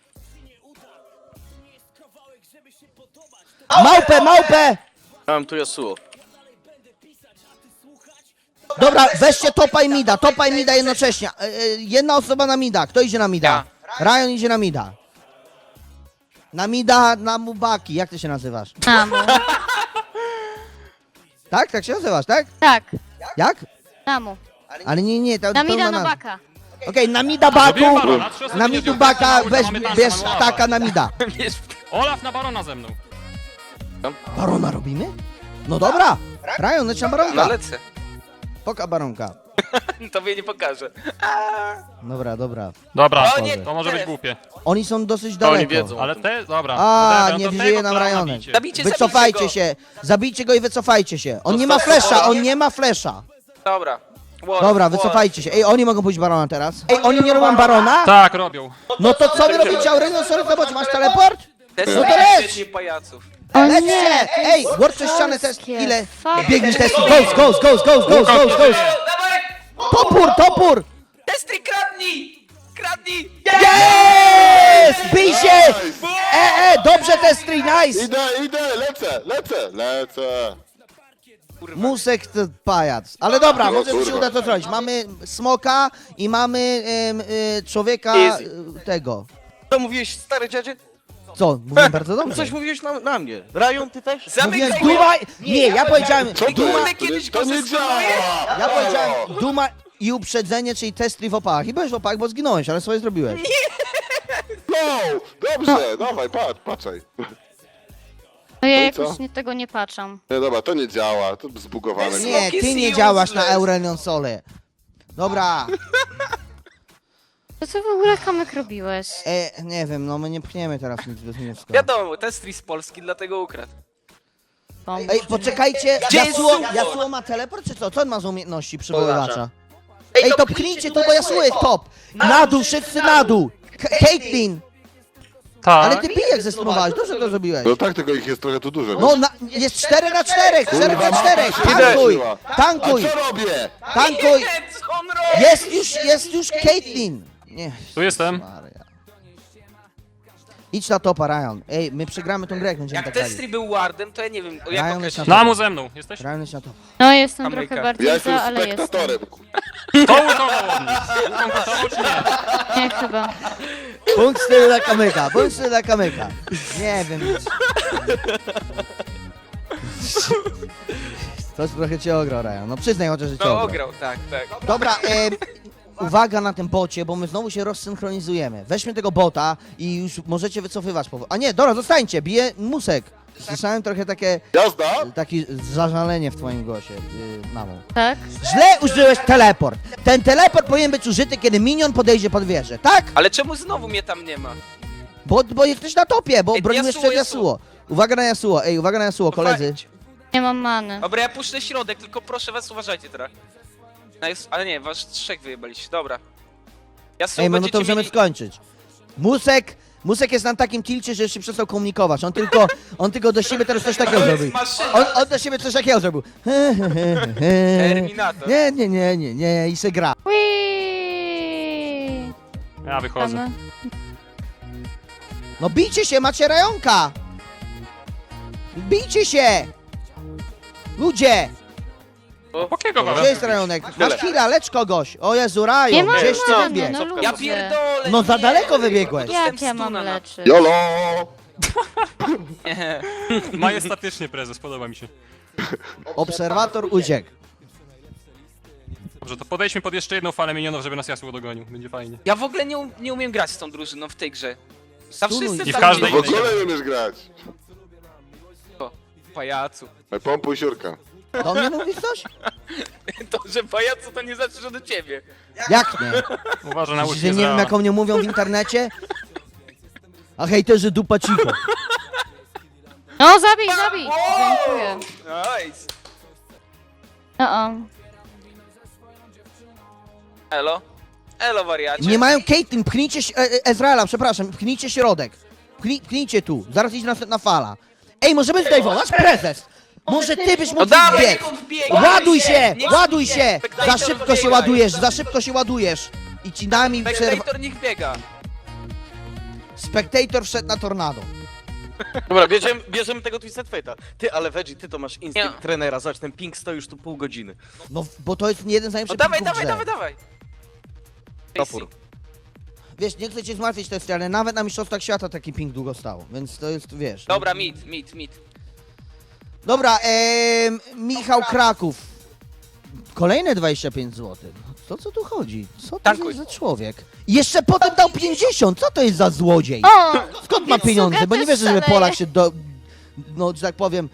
[SPEAKER 1] Małpę!
[SPEAKER 5] Mam tu Yasuo.
[SPEAKER 1] Dobra, weźcie topa i mida jednocześnie. Jedna osoba na mida. Kto idzie na mida? Ryan idzie na mida. Na mida, na Mubaki. Jak ty się nazywasz?
[SPEAKER 3] Namu.
[SPEAKER 1] Tak? Tak się nazywasz, tak?
[SPEAKER 3] Tak,
[SPEAKER 1] Jak?
[SPEAKER 3] Namu.
[SPEAKER 1] Ale nie, to
[SPEAKER 3] Na mida
[SPEAKER 1] pełna nazwa.
[SPEAKER 3] Nobaka.
[SPEAKER 1] Okej, na mida Baku.
[SPEAKER 4] Zrobiłem barona, 3 osoby
[SPEAKER 1] Na
[SPEAKER 4] nie
[SPEAKER 1] midu
[SPEAKER 4] zdjął,
[SPEAKER 1] Baka,
[SPEAKER 4] mamy
[SPEAKER 1] weź,
[SPEAKER 4] mamy tanka,
[SPEAKER 1] bierz
[SPEAKER 4] mamy Olafa.
[SPEAKER 1] taka na mida.
[SPEAKER 4] Olaf na barona ze mną.
[SPEAKER 1] Barona robimy? No dobra. Ryan, leć na
[SPEAKER 2] No
[SPEAKER 1] baronka.
[SPEAKER 2] lecę.
[SPEAKER 1] Poka baronka.
[SPEAKER 2] Tobie nie pokażę.
[SPEAKER 1] Dobra.
[SPEAKER 4] Dobra,
[SPEAKER 2] O nie,
[SPEAKER 4] to może być
[SPEAKER 2] teraz.
[SPEAKER 4] głupie.
[SPEAKER 1] Oni są dosyć
[SPEAKER 5] To oni
[SPEAKER 1] daleko.
[SPEAKER 5] wiedzą.
[SPEAKER 4] Ale te, dobra.
[SPEAKER 1] A,
[SPEAKER 4] Dobra,
[SPEAKER 1] nie
[SPEAKER 4] to
[SPEAKER 1] wieje
[SPEAKER 4] tego
[SPEAKER 1] nam
[SPEAKER 4] clowna
[SPEAKER 1] Rajonek.
[SPEAKER 4] bicie.
[SPEAKER 2] Zabijcie,
[SPEAKER 1] Wycofajcie
[SPEAKER 2] zabijcie
[SPEAKER 1] się. Zabijcie go i wycofajcie się. On nie ma flesza, on nie ma flesza.
[SPEAKER 2] go. Dobra. War,
[SPEAKER 1] Dobra,
[SPEAKER 2] war.
[SPEAKER 1] wycofajcie się. Ej, oni mogą pójść barona teraz. Ej, oni nie robią barona?
[SPEAKER 4] Tak, robią.
[SPEAKER 1] No to co wy robicie, Aurelion? Sorry, zobacz, masz teleport?
[SPEAKER 2] Te
[SPEAKER 1] No to
[SPEAKER 2] są
[SPEAKER 1] leć!
[SPEAKER 2] świetnie pajaców.
[SPEAKER 3] O
[SPEAKER 1] Lećcie!
[SPEAKER 3] nie,
[SPEAKER 1] Ej, ward przez ścianę test.
[SPEAKER 3] polskie.
[SPEAKER 1] Ile?
[SPEAKER 3] Fuck.
[SPEAKER 1] Biegniesz test. Ghost. Topór!
[SPEAKER 2] Testry, kradnij! Kradnij!
[SPEAKER 1] Jest! Bij się! Dobrze testry, nice!
[SPEAKER 6] Idę, lecę.
[SPEAKER 1] Musek to pajac. Ale dobra, może mi się uda to zrobić. Mamy smoka i mamy człowieka
[SPEAKER 5] Easy.
[SPEAKER 1] tego.
[SPEAKER 5] Co mówiłeś, stary dziadzie?
[SPEAKER 1] Co? Mówiłem bardzo dobrze.
[SPEAKER 5] Coś mówiłeś na mnie. Ryan, ty też?
[SPEAKER 1] Mówiłem
[SPEAKER 2] Zamykaj
[SPEAKER 1] Duma... Nie, ja powiedziałem
[SPEAKER 6] Co to
[SPEAKER 1] Duma...
[SPEAKER 6] jest?
[SPEAKER 2] kiedyś
[SPEAKER 6] To
[SPEAKER 2] go
[SPEAKER 6] nie
[SPEAKER 2] zeskanuje?
[SPEAKER 6] działa!
[SPEAKER 1] Ja powiedziałem Duma i uprzedzenie, czyli testry w opałach. I byłeś w opałach, bo zginąłeś, ale swoje zrobiłeś.
[SPEAKER 6] No, dobrze, dawaj, patrzaj.
[SPEAKER 3] no ja
[SPEAKER 6] No i co?
[SPEAKER 3] jakoś tego nie patrzam.
[SPEAKER 6] Nie, dobra, to nie działa, to zbugowane.
[SPEAKER 1] Nie,
[SPEAKER 2] Smok
[SPEAKER 1] ty
[SPEAKER 2] jest
[SPEAKER 1] nie działasz na
[SPEAKER 2] useless.
[SPEAKER 1] Aurelion Sole. Dobra,
[SPEAKER 3] To co w ogóle Kamek robiłeś?
[SPEAKER 1] nie wiem, no my nie pchniemy teraz nic bez Muska.
[SPEAKER 2] Wiadomo, testry z Polski, dlatego ukradł.
[SPEAKER 3] Bomb.
[SPEAKER 1] Ej, poczekajcie,
[SPEAKER 2] Gdzie jest
[SPEAKER 1] Yasuo,
[SPEAKER 2] support?
[SPEAKER 1] Yasuo ma teleport czy co? Co on ma za umiejętności przywoływacza? Ej, to pchnijcie tu, bo Yasuo jest top! Na dół, wszyscy na dół! Caitlyn!
[SPEAKER 4] Tak.
[SPEAKER 1] Ale ty pijek zestymowałeś, dobrze to zrobiłeś.
[SPEAKER 6] No tak, tylko ich jest trochę tu dużo.
[SPEAKER 1] No, jest 4 na 4, 4 na 4,
[SPEAKER 6] Kurwa,
[SPEAKER 1] tankuj,
[SPEAKER 6] idę.
[SPEAKER 1] tankuj,
[SPEAKER 6] A co robię?
[SPEAKER 1] tankuj!
[SPEAKER 2] Nie, co on robi?
[SPEAKER 1] Jest już Caitlyn! Nie,
[SPEAKER 4] Tu jestem.
[SPEAKER 1] Maria. Idź na topa, Ryan. Ej, my przegramy tą grę, jak będziemy
[SPEAKER 2] Jak
[SPEAKER 1] tak grali.
[SPEAKER 2] testry był wardem, to ja nie wiem, o
[SPEAKER 1] Ryan
[SPEAKER 2] jak
[SPEAKER 1] jest na
[SPEAKER 2] określić.
[SPEAKER 1] topa.
[SPEAKER 4] Namu ze mną. Jesteś?
[SPEAKER 1] Ryan jest na topa.
[SPEAKER 3] No jestem
[SPEAKER 2] Ameryka.
[SPEAKER 3] trochę bardziej
[SPEAKER 6] Ja jestem
[SPEAKER 3] za, ale jestem.
[SPEAKER 6] spektatorem.
[SPEAKER 4] To utował od nich. Utował czy nie?
[SPEAKER 3] Nie chyba.
[SPEAKER 1] Punkt stylu dla kamyka, punkt stylu dla kamyka. Nie wiem nic. Coś trochę cię ograł, Ryan. No przyznaj chociaż, że cię
[SPEAKER 2] No
[SPEAKER 1] ograł.
[SPEAKER 2] ograł, tak.
[SPEAKER 1] Dobra, uwaga na tym bocie, bo my znowu się rozsynchronizujemy. Weźmy tego bota i już możecie wycofywać. A nie, dobra, zostańcie, bije Musek. Słyszałem trochę takie zażalenie w twoim głosie, mamo.
[SPEAKER 3] Tak?
[SPEAKER 1] Źle użyłeś teleport. Ten teleport powinien być użyty, kiedy minion podejdzie pod wieżę, tak?
[SPEAKER 2] Ale czemu znowu mnie tam nie ma?
[SPEAKER 1] Bo jesteś na topie, bo
[SPEAKER 2] Ej,
[SPEAKER 1] broniłeś przed Yasuo. Uwaga na Yasuo, uwaga na Yasuo, koledzy.
[SPEAKER 2] Fajnie.
[SPEAKER 3] Nie mam many.
[SPEAKER 2] Dobra, ja puszczę środek, tylko proszę was, uważajcie teraz. Ale nie, was trzech wyjebaliście, dobra. Ja
[SPEAKER 1] Ej, no to możemy skończyć. Musek jest na takim tilcie, że już się przestał komunikować. On tylko do siebie teraz coś takiego zrobił. On do siebie coś takiego zrobił.
[SPEAKER 2] Terminator.
[SPEAKER 1] Nie, i se gra.
[SPEAKER 3] Whee!
[SPEAKER 4] Ja wychodzę.
[SPEAKER 3] Mamy.
[SPEAKER 1] No bijcie się, macie rajonka! Bijcie się! Ludzie!
[SPEAKER 4] Jakiego
[SPEAKER 1] Gdzie jest rajonek? Masz chwilę, lecz kogoś. O Jezu,
[SPEAKER 3] Nie
[SPEAKER 1] rajon,
[SPEAKER 3] mam
[SPEAKER 1] gdzieś ty
[SPEAKER 3] many,
[SPEAKER 1] wybiegł.
[SPEAKER 3] no ludzie.
[SPEAKER 2] Ja pierdolę!
[SPEAKER 1] No za
[SPEAKER 2] nie.
[SPEAKER 1] daleko wybiegłeś.
[SPEAKER 2] Dostałem
[SPEAKER 3] Jak ja mam
[SPEAKER 2] stuna na-
[SPEAKER 3] leczyć?
[SPEAKER 6] YOLO!
[SPEAKER 2] Nie.
[SPEAKER 4] Majestatycznie prezes, podoba mi się.
[SPEAKER 1] Obserwator uciekł.
[SPEAKER 4] Dobrze, to podejdźmy pod jeszcze jedną falę minionów, żeby nas Yasuo dogonił. Będzie fajnie.
[SPEAKER 2] Ja w ogóle nie umiem grać z tą drużyną w tej grze. Tam
[SPEAKER 1] Stunuj.
[SPEAKER 2] wszyscy
[SPEAKER 4] I w
[SPEAKER 2] tam
[SPEAKER 4] każdej
[SPEAKER 6] W ogóle nie umiesz grać.
[SPEAKER 2] Pajacu.
[SPEAKER 6] Pompuj siurka.
[SPEAKER 1] Do mnie mówisz coś?
[SPEAKER 2] To, że pajacu to nie znaczy, że do ciebie.
[SPEAKER 1] Jak nie?
[SPEAKER 4] Uważaj na
[SPEAKER 1] Myślisz,
[SPEAKER 4] łódź
[SPEAKER 1] że nie wiem, jak o mnie mówią w internecie? A hejterzy dupa cicho.
[SPEAKER 3] No, zabij! Dziękuję.
[SPEAKER 2] Nice.
[SPEAKER 3] No,
[SPEAKER 2] Elo? Elo, wariacie.
[SPEAKER 1] Nie mają Caitlyn, pchnijcie Ezreala, przepraszam, pchnijcie środek. Pchnijcie tu, zaraz idzie następna fala. Ej, możemy zdejmować prezes! Może ty byś
[SPEAKER 2] No
[SPEAKER 1] mógł
[SPEAKER 2] dawaj,
[SPEAKER 1] biec!
[SPEAKER 2] niech on wbiegnie!
[SPEAKER 1] Ładuj się!
[SPEAKER 2] Niech
[SPEAKER 1] Ładuj
[SPEAKER 2] wbiegnie.
[SPEAKER 1] się!
[SPEAKER 2] Spectator
[SPEAKER 1] Za szybko się
[SPEAKER 2] wbiegaj.
[SPEAKER 1] ładujesz, za szybko się ładujesz! I ci nami przerwa...
[SPEAKER 2] Spectator niech biega.
[SPEAKER 1] Spectator wszedł na tornado.
[SPEAKER 5] Dobra, bierzemy tego Twisted Fate'a. Ty, ale Veggie, ty to masz instynkt
[SPEAKER 2] Nie.
[SPEAKER 5] trenera, zobacz, ten ping stoi już tu pół godziny.
[SPEAKER 1] No, bo to jest jeden z
[SPEAKER 2] No
[SPEAKER 1] najlepszych
[SPEAKER 2] dawaj,
[SPEAKER 1] piłków w
[SPEAKER 2] dawaj,
[SPEAKER 1] grze.
[SPEAKER 2] dawaj, dawaj.
[SPEAKER 5] Topór.
[SPEAKER 1] Wiesz, nie chcę cię zmartwić testy, ale nawet na mistrzostwach świata taki ping długo stał, więc to jest, wiesz...
[SPEAKER 2] Dobra, mid.
[SPEAKER 1] Dobra, Michał Kraków. Kolejne 25 zł. Co tu chodzi? Co to
[SPEAKER 2] Tankuj.
[SPEAKER 1] jest za człowiek? I jeszcze potem dał 50, co to jest za złodziej?
[SPEAKER 3] O!
[SPEAKER 1] Skąd ma pieniądze? Bo nie wierzę, żeby Polak się no, że tak powiem,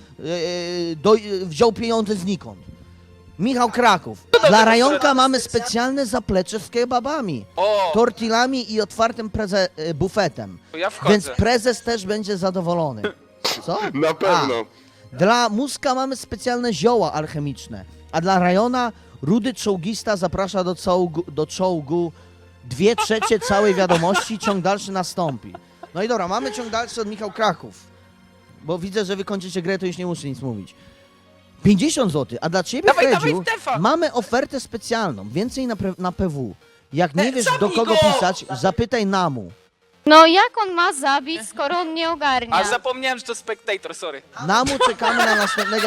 [SPEAKER 1] wziął pieniądze znikąd. Michał Kraków. Dla Rajonka mamy specjalne zaplecze z kebabami,
[SPEAKER 2] O,
[SPEAKER 1] tortillami i otwartym bufetem.
[SPEAKER 2] to ja wchodzę.
[SPEAKER 1] Więc prezes też będzie zadowolony. Co?
[SPEAKER 6] Na pewno.
[SPEAKER 1] Dla Muska mamy specjalne zioła alchemiczne, a dla Rajona rudy czołgista zaprasza do czołgu 2/3 całej wiadomości, ciąg dalszy nastąpi. No i dobra, mamy ciąg dalszy od Michał Kraków, bo widzę, że wy kończycie grę, to już nie muszę nic mówić. 50 zł, a dla ciebie,
[SPEAKER 2] Dawaj,
[SPEAKER 1] Fredziu,
[SPEAKER 2] dawaj, Stefa!
[SPEAKER 1] mamy ofertę specjalną, więcej na PW. Jak nie wiesz, do
[SPEAKER 2] zabij
[SPEAKER 1] kogo
[SPEAKER 2] go!
[SPEAKER 1] pisać, zapytaj Namu.
[SPEAKER 3] No jak on ma zabić, skoro on nie ogarnia?
[SPEAKER 2] A zapomniałem, że to Spectator, sorry.
[SPEAKER 1] Namu czekamy na następnego...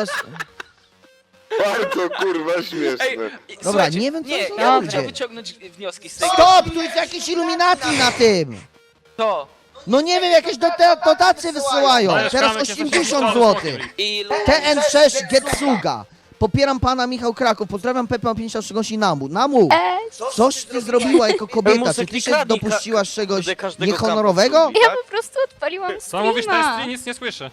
[SPEAKER 6] Bardzo kurwa śmieszne.
[SPEAKER 2] Słuchajcie,
[SPEAKER 1] nie wiem, co
[SPEAKER 2] nie,
[SPEAKER 1] jest
[SPEAKER 2] ja bym
[SPEAKER 1] robić.
[SPEAKER 2] chciał wyciągnąć wnioski z tej gry.
[SPEAKER 1] Stop! Tu jest jakieś iluminacji na tym!
[SPEAKER 2] To.
[SPEAKER 1] No nie wiem, jakieś dotacje wysyłają.
[SPEAKER 4] Dajesz
[SPEAKER 1] Teraz
[SPEAKER 4] kamek, jesteś
[SPEAKER 1] 80
[SPEAKER 4] pod
[SPEAKER 1] zł.
[SPEAKER 4] smokiem.
[SPEAKER 2] I
[SPEAKER 1] TN6 Getsuga. Popieram pana Michał Kraków. Pozdrawiam Pepe 53 Namu. Namu, coś ty zrobiła jako kobieta? Czy ty się dopuściłaś czegoś niehonorowego?
[SPEAKER 3] Ja po prostu odpaliłam
[SPEAKER 4] Co mówisz, to
[SPEAKER 3] streama.
[SPEAKER 4] jest nic nie słyszę.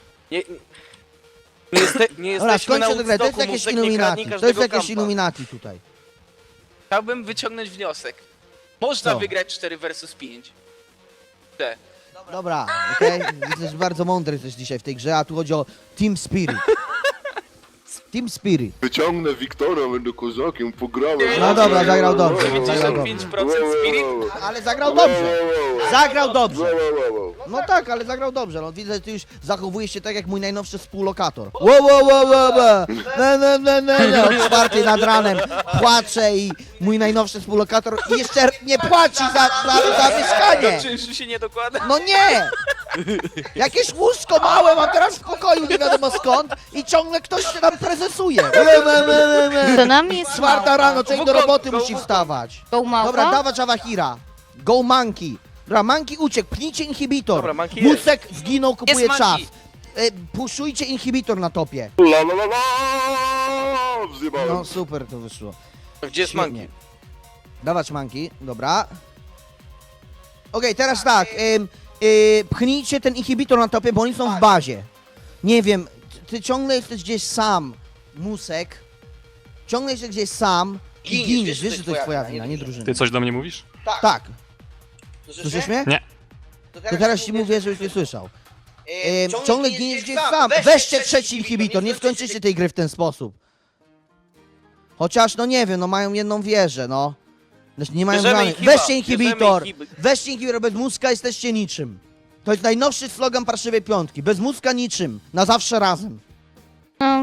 [SPEAKER 5] Nie
[SPEAKER 1] Dobra,
[SPEAKER 5] jesteśmy na
[SPEAKER 1] skończę tę grę. To jest
[SPEAKER 5] Woodstocku,
[SPEAKER 1] jakieś
[SPEAKER 5] Musek nie
[SPEAKER 1] Illuminati.
[SPEAKER 5] kradnij
[SPEAKER 1] To jest
[SPEAKER 5] każdego
[SPEAKER 1] jakieś
[SPEAKER 5] kampa.
[SPEAKER 1] Illuminati tutaj.
[SPEAKER 2] chciałbym wyciągnąć wniosek. Można
[SPEAKER 1] Co?
[SPEAKER 2] wygrać 4 versus 5. Te.
[SPEAKER 1] Dobra, okej. Jesteś bardzo mądry jesteś dzisiaj w tej grze, a tu chodzi o Team Spirit. Team Spirit.
[SPEAKER 6] Wyciągnę Wiktora, będę kozakiem, pograłem.
[SPEAKER 1] No dobra, zagrał dobrze. Zagrał dobrze.
[SPEAKER 2] 95% spirit.
[SPEAKER 1] Ale zagrał dobrze. Zagrał dobrze.
[SPEAKER 6] Wow.
[SPEAKER 1] No tak, ale zagrał dobrze. No widzę, że ty już zachowujesz się tak jak mój najnowszy współlokator. Wow. No, o 4 nad ranem płacze i mój najnowszy współlokator jeszcze nie płaci za mieszkanie.
[SPEAKER 2] Czynszu się nie dokłada.
[SPEAKER 1] No nie! Jakieś łóżko małe mam teraz w pokoju, nie wiadomo skąd i ciągle ktoś się tam prezesuje.
[SPEAKER 3] To nam jest
[SPEAKER 1] 4
[SPEAKER 3] małpa.
[SPEAKER 1] rano, człowiek do roboty
[SPEAKER 2] Go,
[SPEAKER 1] musi
[SPEAKER 2] go.
[SPEAKER 1] wstawać.
[SPEAKER 3] Go małpa?
[SPEAKER 1] Dobra, dawać Awahira. Go Monkey. Dobra, Monkey uciekł, pchnijcie inhibitor.
[SPEAKER 5] Dobra, Monkey jest.
[SPEAKER 1] Musek zginął, kupuje
[SPEAKER 2] Jest
[SPEAKER 1] czas.
[SPEAKER 2] Monkey.
[SPEAKER 1] Puszujcie inhibitor na topie.
[SPEAKER 6] La. Wzywałem.
[SPEAKER 1] No super to wyszło.
[SPEAKER 5] Gdzie jest
[SPEAKER 1] Świetnie.
[SPEAKER 5] Monkey?
[SPEAKER 1] Dawać manki, dobra. Okej, teraz tak. Pchnijcie ten inhibitor na topie, bo oni są w bazie. Nie wiem, ty ciągle jesteś gdzieś sam, Musek. Ciągle jesteś gdzieś sam i giniesz. Wiesz, że to jest twoja wina, nie drużyna.
[SPEAKER 4] Ty coś do mnie mówisz?
[SPEAKER 1] Tak. Słyszysz mnie?
[SPEAKER 4] Nie.
[SPEAKER 1] To teraz ci mówię, żebyś nie słyszał. Ciągle giniesz gdzieś sam. Weźcie trzeci inhibitor, nie skończycie tej gry w ten sposób. Chociaż, no nie wiem, no mają jedną wieżę, no. Znaczy, nie mają
[SPEAKER 2] Bierzemy
[SPEAKER 1] żadnej.
[SPEAKER 2] inhiba,
[SPEAKER 1] Weźcie inhibitor.
[SPEAKER 2] bierzemy
[SPEAKER 1] Weźcie inhibitor, bez mózga jesteście niczym. To jest najnowszy slogan Parszywej Piątki. Bez mózga niczym. Na zawsze razem.
[SPEAKER 3] No,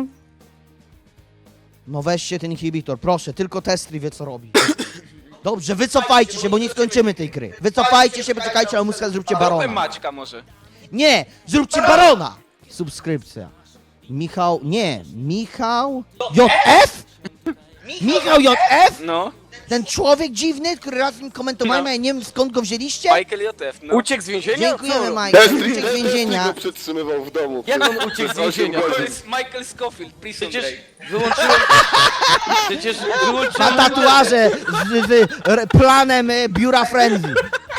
[SPEAKER 1] No weźcie ten inhibitor, proszę, tylko Testry wie co robi. Dobrze, wycofajcie się, bo nie skończymy tej gry. Wycofajcie się, poczekajcie, a mózga zróbcie
[SPEAKER 2] Zróbmy
[SPEAKER 1] barona.
[SPEAKER 2] Maćka może.
[SPEAKER 1] Nie, zróbcie barona! Subskrypcja. Michał, nie, Michał JF? Michał JF?
[SPEAKER 2] No,
[SPEAKER 1] Ten człowiek dziwny, który raz mi komentowałem,
[SPEAKER 2] No.
[SPEAKER 1] a ja nie wiem skąd go wzięliście?
[SPEAKER 2] Michael JF, no.
[SPEAKER 5] Uciekł z więzienia?
[SPEAKER 1] Dziękujemy,
[SPEAKER 5] Co?
[SPEAKER 1] Mike.
[SPEAKER 6] Destry
[SPEAKER 1] Uciekł z więzienia.
[SPEAKER 6] go przetrzymywał w domu.
[SPEAKER 5] Jak
[SPEAKER 6] przez-
[SPEAKER 5] on uciekł z
[SPEAKER 6] przez 8
[SPEAKER 5] więzienia?
[SPEAKER 2] To
[SPEAKER 6] godzin.
[SPEAKER 2] jest Michael Scofield, Prison
[SPEAKER 5] Przecież
[SPEAKER 2] Break.
[SPEAKER 5] wyłączyłem... Przecież
[SPEAKER 1] Ma
[SPEAKER 5] wyłączyłem...
[SPEAKER 1] tatuaże z planem biura Friendly.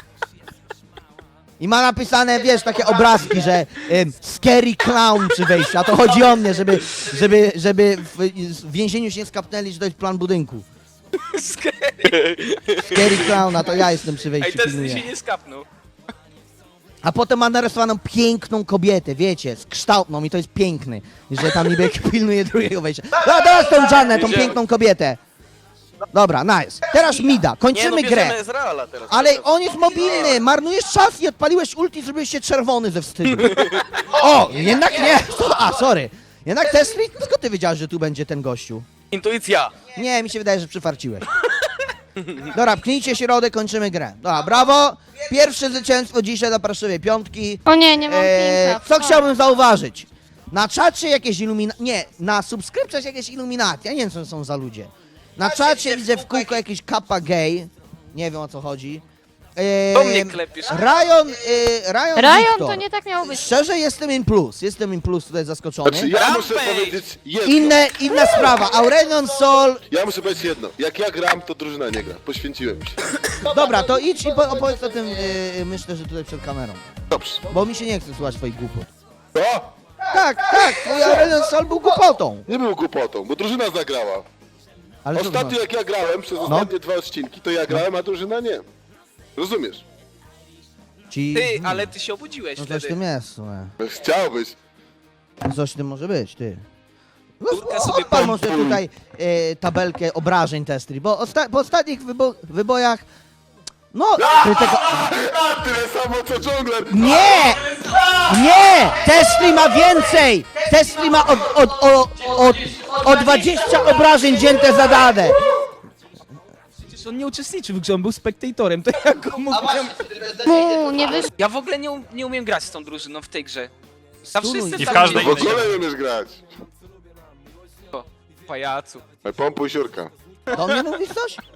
[SPEAKER 1] I ma napisane, wiesz, takie obrazki, że scary clown przy wejściu, a to chodzi o mnie, żeby w więzieniu się nie skapnęli, że to jest plan budynku. Scary clown, a to ja jestem przy
[SPEAKER 2] Ej,
[SPEAKER 1] wejściu,
[SPEAKER 2] ten
[SPEAKER 1] pilnuję.
[SPEAKER 2] się nie skapnął.
[SPEAKER 1] A potem ma narysowaną piękną kobietę, wiecie, z kształtną i to jest piękny, że tam niby pilnuje drugiego wejścia. No teraz tą Jannę, tą piękną kobietę. Dobra, nice. Teraz Mida,
[SPEAKER 5] Nie,
[SPEAKER 1] kończymy
[SPEAKER 5] no
[SPEAKER 1] grę.
[SPEAKER 5] bierzemy Ezreala teraz.
[SPEAKER 1] Ale on jest mobilny, marnujesz czas i odpaliłeś ulti, zrobiłeś się czerwony ze wstydu. O, jednak nie. A, sorry. Jednak Testry, skąd ty wiedziałeś, że tu będzie ten gościu?
[SPEAKER 5] Intuicja.
[SPEAKER 1] Nie, mi się wydaje, że przyfarciłeś. Dobra, pchnijcie środek, kończymy grę. Dobra, brawo. Pierwsze zwycięstwo dzisiaj dla Parszywej Piątki.
[SPEAKER 3] o nie, nie mam pinka.
[SPEAKER 1] Co chciałbym zauważyć? Na czacie jakieś nie, na subskrypcjach jakieś iluminaty. Ja nie wiem, co to są za ludzie. Na czacie widzę w kółko jakiś kappa gay. Nie wiem, o co chodzi.
[SPEAKER 2] Do mnie klepiesz.
[SPEAKER 1] Ryan
[SPEAKER 3] Ryan
[SPEAKER 1] Victor.
[SPEAKER 3] to nie tak miało być.
[SPEAKER 1] Szczerze jestem in plus tutaj zaskoczony.
[SPEAKER 6] Znaczy, ja muszę
[SPEAKER 2] Rampage!
[SPEAKER 6] powiedzieć jedno.
[SPEAKER 1] Inna sprawa, Aurelion Sol.
[SPEAKER 6] Ja muszę powiedzieć jedno. Jak ja gram, to drużyna nie gra. Poświęciłem się.
[SPEAKER 1] Dobra, to idź i opowiedz o tym, myślę, że tutaj przed kamerą.
[SPEAKER 6] Dobrze.
[SPEAKER 1] Bo mi się nie chce słuchać twoich głupot.
[SPEAKER 6] To
[SPEAKER 1] Tak, twój Aurelion Sol był głupotą.
[SPEAKER 6] nie był głupotą, bo drużyna zagrała.
[SPEAKER 1] Ale co to
[SPEAKER 6] Ostatnio
[SPEAKER 1] znaczy?
[SPEAKER 6] jak ja grałem, przez ostatnie 2 odcinki, to ja grałem, a drużyna nie. Rozumiesz?
[SPEAKER 1] Ci...
[SPEAKER 2] Ty, ale ty się obudziłeś
[SPEAKER 1] No coś w
[SPEAKER 2] wtedy.
[SPEAKER 1] tym jest, słuchaj.
[SPEAKER 6] Chciałbyś.
[SPEAKER 1] Coś w tym może być, ty. No,
[SPEAKER 2] Kurkę sobie
[SPEAKER 1] odpal może tutaj tabelkę obrażeń Testry, bo po ostatnich wybojach... No, krytyka...
[SPEAKER 6] Tyle samo co Jungler.
[SPEAKER 1] Nie! Nie! Testry ma więcej! Testry ma o 20 obrażeń dzięte zadane!
[SPEAKER 7] Przecież on nie uczestniczył w grze, on był spektatorem, to jak go mógł...
[SPEAKER 3] Nie wyszło.
[SPEAKER 2] Ja w ogóle nie umiem grać z tą drużyną w tej grze. Zawsze
[SPEAKER 1] Stunuj.
[SPEAKER 2] jestem
[SPEAKER 4] I w
[SPEAKER 2] tam
[SPEAKER 4] każdej
[SPEAKER 6] W
[SPEAKER 2] gdzieś.
[SPEAKER 6] ogóle nie umiesz grać.
[SPEAKER 2] Pajacu.
[SPEAKER 6] Pompuj siurka.
[SPEAKER 1] Do mnie mówisz coś?